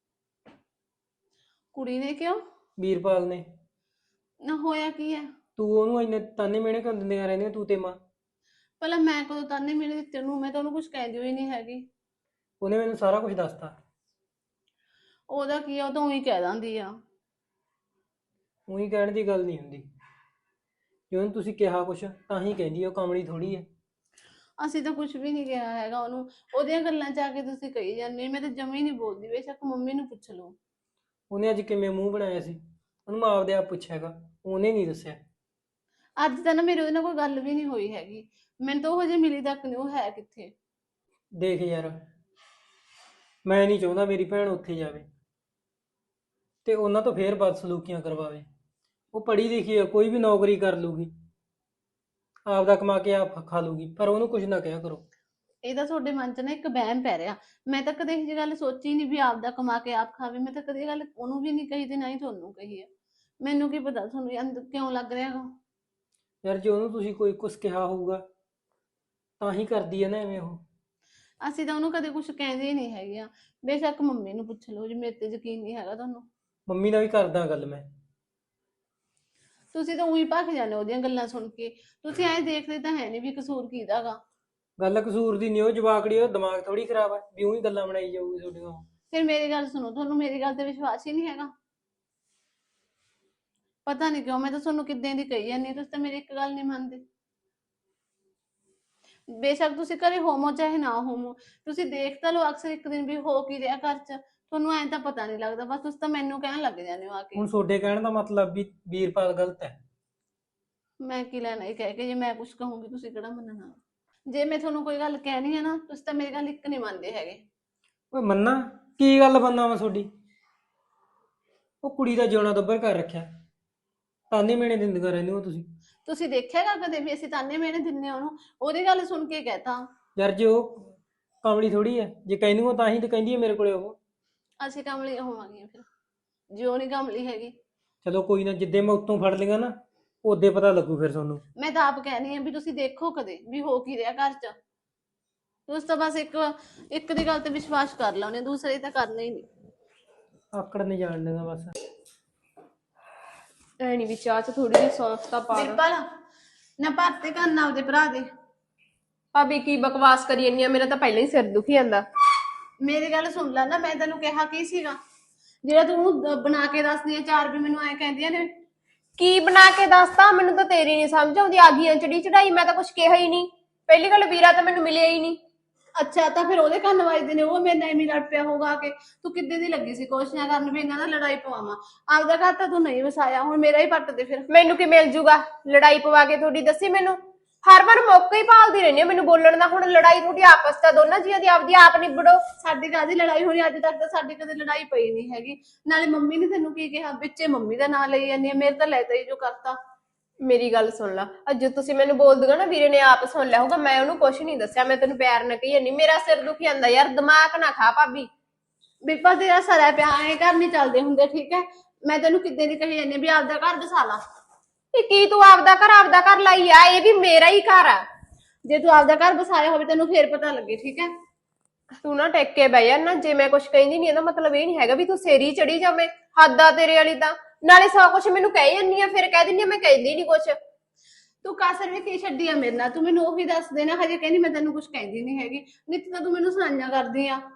ਕੁੜੀ ਨੇ ਕਿਉਂ?
ਵੀਰਪਾਲ ਨੇ।
ਨਾ ਹੋਇਆ ਕੀ ਹੈ?
ਤੂੰ ਉਹਨੂੰ ਇੰਨੇ ਤਾਨੇ ਮਿਹਣੇ ਕਿਉਂ ਦਿੰਦੀਆਂ ਰਹਿੰਦੀਆਂ ਤੂੰ ਤੇ ਮਾਂ?
ਪਹਿਲਾਂ ਮੈਂ ਕਦੋਂ ਤਾਨੇ ਮੇਰੇ ਦਿੱਤੇ ਨੂੰ? ਮੈਂ ਤਾਂ ਉਹਨੂੰ ਕੁਝ ਕਹਿੰਦੀ ਹੋਈ ਨਹੀਂ ਹੈਗੀ।
ਉਹਨੇ ਮੈਨੂੰ ਸਾਰਾ ਕੁਝ ਦੱਸਤਾ।
ਉਹਦਾ ਕੀ ਆ, ਉਹ ਤਾਂ ਉਹੀ ਕਹਿ ਦਿੰਦੀ ਆ।
ਉਹੀ ਕਹਿਣ ਦੀ ਗੱਲ ਨਹੀਂ ਹੁੰਦੀ, ਜੇ ਉਹਨੂੰ ਤੁਸੀਂ ਕਿਹਾ ਕੁਛ ਤਾਂ ਹੀ ਕਹਿੰਦੀ ਆ, ਉਹ ਕਮਲੀ ਥੋੜੀ ਹੈ।
ਅਸੀਂ ਤਾਂ ਕੁਝ ਵੀ ਨਹੀਂ ਕਿਹਾ ਹੈਗਾ ਉਹਨੂੰ। ਉਹਦੀਆਂ ਗੱਲਾਂ 'ਚ ਆ ਕੇ ਤੁਸੀਂ ਕਹੀ ਜਾਂਦੇ। ਮੈਂ ਤਾਂ ਜਮੀ ਨਹੀਂ ਬੋਲਦੀ, ਬੇਸ਼ੱਕ ਮੰਮੀ ਨੂੰ ਪੁੱਛ ਲਓ।
ਉਹਨੇ ਅੱਜ ਕਿਵੇਂ ਮੂੰਹ ਬਣਾਇਆ ਸੀ? ਉਹਨੂੰ ਮੈਂ ਆਪਦੇ ਆਪ ਪੁੱਛਿਆਗਾ, ਉਹਨੇ ਨਹੀਂ ਦੱਸਿਆ।
ਅੱਜ ਤਾਂ ਨਾ ਮੇਰੇ ਉਹਦੇ ਨਾਲ ਕੋਈ ਗੱਲ ਵੀ ਨਹੀਂ ਹੋਈ ਹੈਗੀ। ਮੈਨੂੰ ਤਾਂ ਉਹ ਹਜੇ ਮਿਲੀ ਤੱਕ ਨਹੀਂ, ਉਹ ਹੈ ਕਿੱਥੇ।
ਦੇਖ ਯਾਰ, ਮੈਂ ਨਹੀਂ ਚਾਹੁੰਦਾ ਮੇਰੀ ਭੈਣ ਉੱਥੇ ਜਾਵੇ ਤੇ ਉਹਨਾਂ ਤੋਂ ਫੇਰ ਬਦਸਲੂਕੀਆਂ ਕਰਵਾਵੇ। ਉਹ ਪੜ੍ਹੀ ਲਿਖੀ ਹੈ, ਕੋਈ ਵੀ ਨੌਕਰੀ ਕਰ ਲੂਗੀ, ਆਪਦਾ ਕਮਾ ਕੇ ਆਪ ਖਾ ਲੂਗੀ, ਪਰ ਉਹਨੂੰ ਕੁਝ ਨਾ ਕਿਹਾ ਕਰੋ।
ਇਹ ਤਾਂ ਤੁਹਾਡੇ ਮਨ 'ਚ ਨਾ ਇੱਕ ਵਹਿਮ ਪੈ ਰਿਹਾ। ਮੈਂ ਤਾਂ ਕਦੇ ਇਹ ਜਿਹੀ ਗੱਲ ਸੋਚੀ ਨਹੀਂ ਵੀ ਆਪਦਾ ਕਮਾ ਕੇ ਆਪ ਖਾਵੇ। ਮੈਂ ਤਾਂ ਕਦੇ ਇਹ ਗੱਲ ਉਹਨੂੰ ਵੀ ਨਹੀਂ ਕਹੀ ਤੇ ਨਾ ਹੀ ਤੁਹਾਨੂੰ ਕਹੀ ਹੈ। ਮੈਨੂੰ ਕੀ ਪਤਾ ਤੁਹਾਨੂੰ ਇਹ ਅੰਦਰ ਕਿਉਂ ਲੱਗ ਰਿਹਾ ਗਾ।
ਯਾਰ ਜੇ ਉਹਨੂੰ ਤੁਸੀਂ ਕੋਈ ਕੁਝ ਕਿਹਾ ਹੋਊਗਾ ਤਾਂ ਹੀ ਕਰਦੀ ਹੈ ਨਾ ਐਵੇਂ ਉਹ।
ਅਸੀਂ ਤਾਂ ਉਹਨੂੰ ਕਦੇ ਕੁਝ ਕਹਿੰਦੇ ਹੀ ਨਹੀਂ ਹੈਗੇ ਆ। ਬੇਸ਼ੱਕ ਮੰਮੀ ਨੂੰ ਪੁੱਛ ਲਓ, ਜੇ ਮੇਰੇ ਤੇ ਯਕੀਨ ਨਹੀਂ ਹੈਗਾ ਤੁਹਾਨੂੰ।
ਮੰਮੀ ਨਾਲ ਵੀ ਕਰਦਾ ਗੱਲ ਮੈਂ।
ਤੁਸੀਂ ਤਾਂ ਉਹੀ ਭੱਖ ਜਾਂਦੇ ਹੋ ਉਹਦੀਆਂ ਗੱਲਾਂ ਸੁਣ ਕੇ। ਤੁਸੀਂ ਐਂ ਦੇਖਦੇ ਤਾਂ ਹੈ ਨਹੀਂ ਵੀ ਕਸੂਰ ਕਿਹਦਾ ਗਾ।
ਗੱਲ ਕਸੂਰ ਦੀ ਨਹੀਂ, ਉਹ ਜਵਾਕੜੀ, ਉਹ ਦਿਮਾਗ ਥੋੜੀ ਖਰਾਬ ਹੈ ਵੀ ਉਹੀ ਗੱਲਾਂ ਬਣਾਈ ਜਾਊਗੀ ਤੁਹਾਡੀਆਂ।
ਫਿਰ ਮੇਰੀ ਗੱਲ ਸੁਣੋ, ਤੁਹਾਨੂੰ ਮੇਰੀ ਗੱਲ ਤੇ ਵਿਸ਼ਵਾਸ ਹੀ ਨਹੀਂ ਹੈਗਾ? ਪਤਾ ਨਹੀਂ ਕਿਉਂ ਮੈਂ ਤਾਂ ਤੁਹਾਨੂੰ ਕਿੱਦਾਂ ਦੀ ਕਹੀ ਜਾਂਦੀ ਹਾਂ, ਤੁਸੀਂ ਤਾਂ ਮੇਰੀ ਇੱਕ ਗੱਲ ਨਹੀਂ ਮੰਨਦੇ। ਬੇਸ਼ੱਕ ਤੁਸੀਂ ਘਰੇ ਹੋਮੋ ਚਾਹੇ ਨਾ ਹੋਮੋ, ਤੁਸੀਂ ਦੇਖ ਤਾਂ ਲਓ ਅਕਸਰ ਇੱਕ ਦਿਨ ਵੀ ਹੋ ਕੀ ਰਿਹਾ ਘਰ 'ਚ, ਤੁਹਾਨੂੰ ਐਂ ਤਾਂ ਪਤਾ ਨਹੀਂ ਲੱਗਦਾ, ਬਸ ਤੁਸੀਂ ਤਾਂ ਮੈਨੂੰ ਕਹਿਣ ਲੱਗ ਜਾਂਦੇ ਹੋ ਆ ਕੇ।
ਹੁਣ ਤੁਹਾਡੇ ਕਹਿਣ ਦਾ ਮਤਲਬ ਵੀ ਵੀਰਪਾਲ ਗਲਤ ਹੈ।
ਮੈਂ ਕੀ ਲੈਣਾ ਇਹ ਕਹਿ ਕੇ, ਜੇ ਮੈਂ ਕੁਝ ਕਹੂੰਗੀ ਤੁਸੀਂ ਕਿਹੜਾ ਮੰਨਣਾ। ਜੇ ਮੈਂ ਤੁਹਾਨੂੰ ਕੋਈ ਗੱਲ ਕਹਿਣੀ ਹੈ ਨਾ, ਤੁਸੀਂ ਤਾਂ ਮੇਰੀ ਗੱਲ ਇੱਕ ਨਹੀਂ ਮੰਨਦੇ ਹੈਗੇ।
ਓਏ ਮੰਨਾ ਕੀ ਗੱਲ ਬੰਨਾ ਵਾ ਤੁਹਾਡੀ? ਉਹ ਕੁੜੀ ਦਾ ਜਿਉਣਾ ਦੱਬਰ ਕਰ ਰੱਖਿਆ, ਤਾਨੇ ਮੇਣੇ ਦਿੰਦੀਆਂ ਰਹਿੰਦੇ ਹੋ ਤੁਸੀਂ।
ਤੁਸੀਂ ਦੇਖਿਆਗਾ ਕਦੇ ਵੀ ਅਸੀਂ ਤਾਨੇ ਮੇਣੇ ਦਿੰਨੇ ਉਹਨੂੰ? ਉਹਦੀ ਗੱਲ ਸੁਣ ਕੇ ਕਹਿਤਾ।
ਯਾਰ ਜੇ ਉਹ ਕਮਲੀ ਥੋੜੀ ਹੈ, ਜੇ ਕਹਿੰਦੀ ਉਹ ਤਾਂ ਹੀ ਤਾਂ ਕਹਿੰਦੀ ਹੈ ਮੇਰੇ ਕੋਲੇ ਉਹ।
ਅਸੀਂ ਕਮਲੀ ਹੋਵਾਂਗੇ ਫਿਰ, ਜੇ ਉਹ ਨਹੀਂ ਕਮਲੀ ਹੈਗੀ।
ਚਲੋ ਕੋਈ ਨਾ, ਜਿੱਦੇ ਮੈਂ ਉੱਤੋਂ ਫੜ ਲਈਆਂ ਨਾ ਉਹਦੇ ਪਤਾ ਲੱਗੂ ਫਿਰ ਤੁਹਾਨੂੰ।
ਮੈਂ ਤਾਂ ਆਪ ਕਹਿਣੀ ਆ ਵੀ ਤੁਸੀਂ ਦੇਖੋ ਕਦੇ ਵੀ ਹੋ ਕੀ ਰਿਹਾ ਘਰ 'ਚ। ਤੁਸੀਂ ਤਾਂ ਬਸ ਇੱਕ ਦੀ ਗੱਲ ਤੇ ਵਿਸ਼ਵਾਸ ਕਰ ਲਾਉਨੇ, ਦੂਸਰੇ ਤਾਂ ਕਰਨਾ ਹੀ ਨਹੀਂ।
ਆਕੜ ਨਹੀਂ ਜਾਣ ਦੇਗਾ ਬਸ।
ਐ ਨਹੀਂ ਵੀ ਚਾਹ ਚ ਥੋੜੀ ਜਿਹੀ ਸੌਂਫ ਤਾਂ ਪਾ ਦਾਂ।
ਬਿਰਪਲ ਨਾ ਭਰਤੇ ਕੰਨ ਆਪਦੇ ਭਰਾ ਦੇ।
ਭਾਬੀ ਕੀ ਬਕਵਾਸ ਕਰੀ ਜਾਂਦੀ ਆ, ਮੇਰਾ ਤਾਂ ਪਹਿਲਾਂ ਹੀ ਸਿਰ ਦੁਖੀ ਜਾਂਦਾ।
ਮੇਰੀ ਗੱਲ ਸੁਣ ਲੈ ਨਾ, ਮੈਂ ਤੈਨੂੰ ਕਿਹਾ ਕੀ ਸੀਗਾ ਜਿਹੜਾ ਤੂੰ ਬਣਾ ਕੇ ਦੱਸਦੀ ਆ ਚਾਰ ਵੀ ਮੈਨੂੰ ਐ ਕਹਿੰਦੀਆਂ ਨੇ।
ਕੀ ਬਣਾ ਕੇ ਦੱਸਤਾ? ਮੈਨੂੰ ਤਾਂ ਤੇਰੀ ਨਹੀਂ ਸਮਝ ਆਉਂਦੀ, ਆ ਗਈਆਂ ਚੜੀ ਚੜਾਈ, ਮੈਂ ਤਾਂ ਕੁਝ ਕਿਹਾ ਹੀ ਨਹੀਂ। ਪਹਿਲੀ ਗੱਲ ਵੀਰਾ ਤਾਂ ਮੈਨੂੰ ਮਿਲਿਆ ਹੀ ਨਹੀਂ।
ਅੱਛਾ ਤਾਂ ਫਿਰ ਉਹਦੇ ਕੰਨ ਵੱਜਦੇ ਨੇ, ਉਹ ਮੇਰੇ ਨਾਲ ਐਵੇਂ ਲੜ ਪਿਆ ਹੋਊਗਾ ਕਿ ਤੂੰ ਕਿੱਦੇ ਦੀ ਲੱਗੀ ਸੀ ਕੋਸ਼ਿਸ਼ਾਂ ਕਰਨ ਵੀ ਇਹਨਾਂ ਦਾ ਲੜਾਈ ਪਵਾਵਾਂ। ਆਪਦਾ ਘਰ ਤਾਂ ਤੂੰ ਨਹੀਂ ਵਸਾਇਆ, ਹੁਣ ਮੇਰਾ ਹੀ ਪੱਟ ਦੇ ਫਿਰ।
ਮੈਨੂੰ ਕੀ ਮਿਲ ਜੂਗਾ ਲੜਾਈ ਪਵਾ ਕੇ? ਤੁਹਾਡੀ ਦੱਸੀ ਮੈਨੂੰ, ਹਰ ਵਾਰ ਮੌਕਾ ਹੀ ਭਾਲਦੀ ਰਹਿੰਦੀ ਆ ਮੈਨੂੰ ਬੋਲਣ ਦਾ। ਹੁਣ ਲੜਾਈ ਤੁਹਾਡੀ ਆਪਸ ਦਾ ਦੋਨਾਂ ਜੀਆਂ ਦੀ ਆਪਦੀ ਆਪ ਨਿਬੜੋ।
ਸਾਡੀ ਕਾਹਦੀ ਲੜਾਈ ਹੋਣੀ? ਅੱਜ ਤੱਕ ਤਾਂ ਸਾਡੀ ਕਦੇ ਲੜਾਈ ਪਈ ਨਹੀਂ ਹੈਗੀ। ਨਾਲੇ ਮੰਮੀ ਨੇ ਤੈਨੂੰ ਕੀ ਕਿਹਾ? ਵਿੱਚੇ ਮੰਮੀ ਦਾ ਨਾਂ ਲਈ ਜਾਂਦੀ ਆ, ਮੇਰੇ ਤਾਂ ਲੈਤਾ ਹੀ ਜੋ ਕਰਤਾ।
ਮੇਰੀ ਗੱਲ ਸੁਣ ਲਾ, ਅੱਜ ਤੁਸੀਂ ਮੈਨੂੰ ਬੋਲਦੂਗਾ ਨਾ ਵੀਰੇ ਨੇ ਆਪ ਸੁਣ ਲਿਆ ਹੋਊਗਾ, ਮੈਂ ਉਹਨੂੰ ਕੁਛ ਨਹੀਂ ਦੱਸਿਆ, ਮੈਂ ਤੈਨੂੰ ਪਿਆਰ ਨਾਲ ਕਹੀ ਜਾਂਦੀ। ਮੇਰਾ ਸਿਰ ਦੁਖੀ ਜਾਂਦਾ ਯਾਰ, ਦਿਮਾਗ ਨਾ ਖਾ ਭਾਬੀ।
ਬਿਰਪਲ ਤੇਰਾ ਸਰਾ ਪਿਆ, ਐ ਘਰ ਨਹੀਂ ਚੱਲਦੇ ਹੁੰਦੇ ਠੀਕ ਹੈ। ਮੈਂ ਤੈਨੂੰ ਕਿੱਦਾਂ ਦੀ ਕਹੀ ਜਾਂਦੀ ਵੀ ਆਪਦਾ ਘਰ ਬਸਾ ਲਾ।
ਇਹ ਕੀ ਤੂੰ ਆਪਦਾ ਘਰ ਲਾਈ ਆ? ਇਹ ਵੀ ਮੇਰਾ ਹੀ ਘਰ ਆ।
ਜੇ ਤੂੰ ਆਪਦਾ ਘਰ ਬਸਾਇਆ ਹੋਵੇ ਤੈਨੂੰ ਫੇਰ ਪਤਾ ਲੱਗੇ ਠੀਕ ਹੈ।
ਤੂੰ ਨਾ ਟੇਕ ਕੇ ਬਹਿ ਜਾ ਨਾ, ਜੇ ਮੈਂ ਕੁਛ ਕਹਿੰਦੀ ਨਹੀਂ ਇਹਦਾ ਮਤਲਬ ਇਹ ਨਹੀਂ ਹੈਗਾ ਵੀ ਤੂੰ ਸੇਰੀ ਚੜੀ ਜਾਵੇਂ। ਹੱਦ ਆ ਤੇਰੇ ਵਾਲੀ ਤਾਂ, ਨਾਲੇ ਸਭ ਕੁਛ ਮੈਨੂੰ ਕਹਿ ਜਾਂਦੀ ਆ, ਫਿਰ ਕਹਿ ਦਿੰਦੀ ਆ ਮੈਂ ਕਹਿੰਦੀ ਨਹੀਂ ਕੁਛ।
ਤੂੰ ਕਾਸਰ ਵੀ ਕੀ ਛੱਡੀ ਆ ਮੇਰੇ ਨਾਲ? ਤੂੰ ਮੈਨੂੰ ਉਹੀ ਦੱਸ ਦੇ ਨਾ, ਹਜੇ ਕਹਿੰਦੀ ਮੈਂ ਤੈਨੂੰ ਕੁਛ ਕਹਿੰਦੀ ਨਹੀਂ ਹੈਗੀ। ਨਿੱਤ ਤਾਂ ਤੂੰ ਮੈਨੂੰ ਸੁਣਾਈਆਂ ਕਰਦੀ ਆ।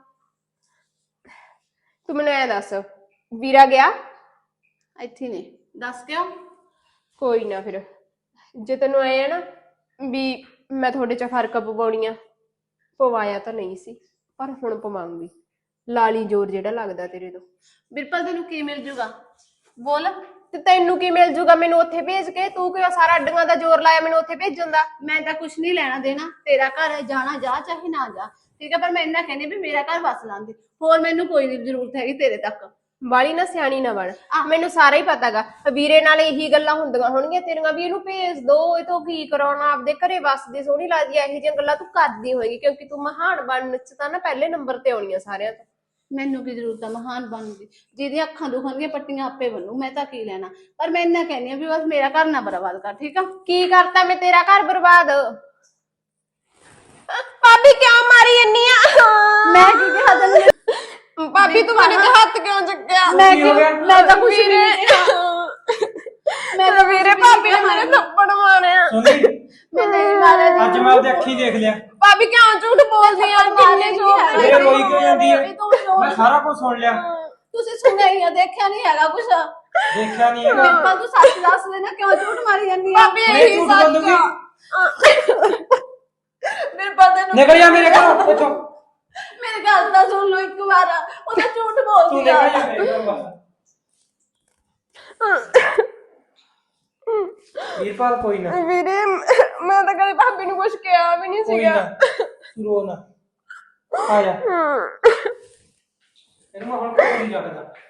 ਤੂੰ ਮੈਨੂੰ ਐ ਦੱਸ, ਵੀਰਾ ਗਿਆ?
ਇੱਥੇ ਨੇ, ਦੱਸ ਕਿਉਂ?
ਕੋਈ ਨਾ, ਫਿਰ ਜੇ ਤੈਨੂੰ ਐ ਨਾ ਵੀ ਮੈਂ ਤੁਹਾਡੇ ਚ ਫਰਕ ਪਵਾਉਣੀ ਆ, ਪਵਾਇਆ ਤਾਂ ਨਹੀਂ ਸੀ ਪਰ ਹੁਣ ਪਵਾਉਂਗੀ। ਲਾਲੀ ਜ਼ੋਰ ਜਿਹੜਾ ਲੱਗਦਾ ਤੇਰੇ ਤੋਂ।
ਬਿਰਪਲ ਤੈਨੂੰ ਕੀ ਮਿਲ ਜੂਗਾ? ਬੋਲ।
ਤੇ ਤੈਨੂੰ ਕੀ ਮਿਲ ਜੂਗਾ ਮੈਨੂੰ ਉੱਥੇ ਭੇਜ ਕੇ? ਤੂੰ ਕਿਉਂ ਸਾਰਾ ਅੱਡੀਆਂ ਦਾ ਜ਼ੋਰ ਲਾਇਆ ਮੈਨੂੰ ਉੱਥੇ ਭੇਜਣ ਦਾ?
ਮੈਂ ਤਾਂ ਕੁਛ ਨਹੀਂ ਲੈਣਾ ਦੇਣਾ, ਤੇਰਾ ਘਰ ਹੈ, ਜਾਣਾ ਜਾ ਚਾਹੇ ਨਾ ਜਾ ਠੀਕ ਹੈ, ਪਰ ਮੈਂ ਇੰਨਾ ਕਹਿੰਦੀ ਵੀ ਮੇਰਾ ਘਰ ਵਸ ਲਾਂਦੀ, ਹੋਰ ਮੈਨੂੰ ਕੋਈ ਨਹੀਂ ਜ਼ਰੂਰਤ ਹੈਗੀ ਤੇਰੇ ਤੱਕ।
ਬਾਲੀ ਨਾ ਸਿਆਣੀ ਨਾ ਬਣ, ਮੈਨੂੰ ਸਾਰਾ ਹੀ ਪਤਾਗਾ। ਵੀਰੇ ਨਾਲ ਇਹੀ ਗੱਲਾਂ ਹੁੰਦੀਆਂ ਹੋਣਗੀਆਂ ਤੇਰੀਆਂ ਵੀ ਇਹਨੂੰ ਭੇਜ ਦੋ, ਇਹ ਤੋਂ ਕੀ ਕਰਾਉਣਾ, ਆਪਦੇ ਘਰੇ ਵਸਦੀ ਸੋਹਣੀ ਲੱਗਦੀ ਐ। ਇਹੋ ਜਿਹੀਆਂ ਗੱਲਾਂ ਤੂੰ ਕਰਦੀ ਹੋਏਗੀ ਕਿਉਂਕਿ ਤੂੰ ਮਹਾਨ ਬਣਨ ਚ ਤਾਂ ਨਾ ਪਹਿਲੇ ਨੰਬਰ ਤੇ ਆਉਣੀ ਆ ਸਾਰਿਆਂ ਤੋਂ।
ਮੈਨੂੰ ਕੀ ਜ਼ਰੂਰਤ ਆ ਮਹਾਨ ਬਣਨ ਦੀ? ਜਿਹਦੀਆਂ ਅੱਖਾਂ ਦੁਖਣਗੀਆਂ ਪੱਟੀਆਂ ਆਪੇ ਬਣੂ, ਮੈਂ ਤਾਂ ਕੀ ਲੈਣਾ। ਪਰ ਮੈਂ ਇੰਨਾ ਕਹਿੰਦੀ ਆ ਵੀ ਬਸ ਮੇਰਾ ਘਰ ਨਾ ਬਰਬਾਦ ਕਰ ਠੀਕ ਆ।
ਕੀ ਕਰਤਾ ਮੈਂ ਤੇਰਾ ਘਰ ਬਰਬਾਦ? ਭਾਬੀ ਕਿਉਂ ਮਾਰੀ ਜੰਨੀ ਆ?
ਮੈਂ ਕੀ ਕਿਹਾ ਤੈਨੂੰ?
ਭਾਬੀ ਤੂੰ ਮੇਰੇ ਤੇ ਹੱਥ ਕਿਉਂ ਚੱਕਿਆ?
ਮੈਂ ਤਾਂ ਕੁਛ ਨਹੀਂ ਕਿਹਾ।
ਮੈਂ ਤਾਂ ਵੀਰੇ ਭਾਬੀ ਨੇ ਮੇਰੇ ਥੱਪੜ ਮਾਰਿਆ।
ਸੁਣੀ,
ਮੈਂ ਨਹੀਂ ਮਾਰਿਆ।
ਅੱਜ ਮੈਂ ਆਪਣੀ ਅੱਖੀ ਦੇਖ ਲਿਆ।
ਭਾਬੀ ਕਿਉਂ ਝੂਠ ਬੋਲਦੀ ਆ? ਕਿੰਨੇ ਝੂਠ
ਮੇਰੇ ਰੋਈ ਕਿਉਂ ਜਾਂਦੀ ਹੈ?
ਇਹ ਤਾਂ
ਮੈਂ ਸਾਰਾ ਕੁਝ ਸੁਣ ਲਿਆ।
ਤੁਸੀਂ ਸੁਣਿਆ ਹੀ ਆ, ਦੇਖਿਆ ਨਹੀਂ ਹੈਗਾ ਕੁਛ।
ਦੇਖਿਆ ਨਹੀਂ ਹੈਗਾ।
ਬਿਰਪਲ ਤੂੰ ਸੱਚ ਦੱਸ ਦੇ ਨਾ, ਕਿਉਂ ਝੂਠ ਮਾਰੀ ਜਾਂਦੀ ਆ?
ਭਾਬੀ
ਮੈਂ
ਇਹੀ
ਝੂਠ
ਸੱਚ
ਬੋਲੂੰਗੀ?
ਆ। ਬਿਰਪਲ ਤੈਨੂੰ
ਨਿਕਲ ਜਾ ਮੇਰੇ ਘਰੋਂ ਇੱਥੋਂ।
ਮੇਰੀ ਗੱਲ ਤਾਂ ਸੁਣ ਲਓ ਇੱਕ ਵਾਰ, ਉਹ ਤਾਂ ਝੂਠ
ਤੂੰ
ਬੋਲਦੀ
ਨਿਕਲ ਜਾ
ਆ।
ਮੇਰੇ ਘਰੋਂ ਬਸ। ਵੀਰਪਾਲ ਕੋਈ ਨਾ,
ਵੀਰੇ ਮੈਂ ਤਾਂ ਕਦੇ ਭਾਬੀ ਨੂੰ ਕੁਝ ਕਿਹਾ ਵੀ ਨਹੀਂ
ਕੋਈ
ਸੀਗਾ।
ਨਾ, ਤੂੰ ਰੋ ਨਾ, ਆ ਜਾ। ਇਹਨੂੰ ਮੈਂ ਹੁਣ ਕੋਈ ਨਹੀਂ ਰੱਖਦਾ।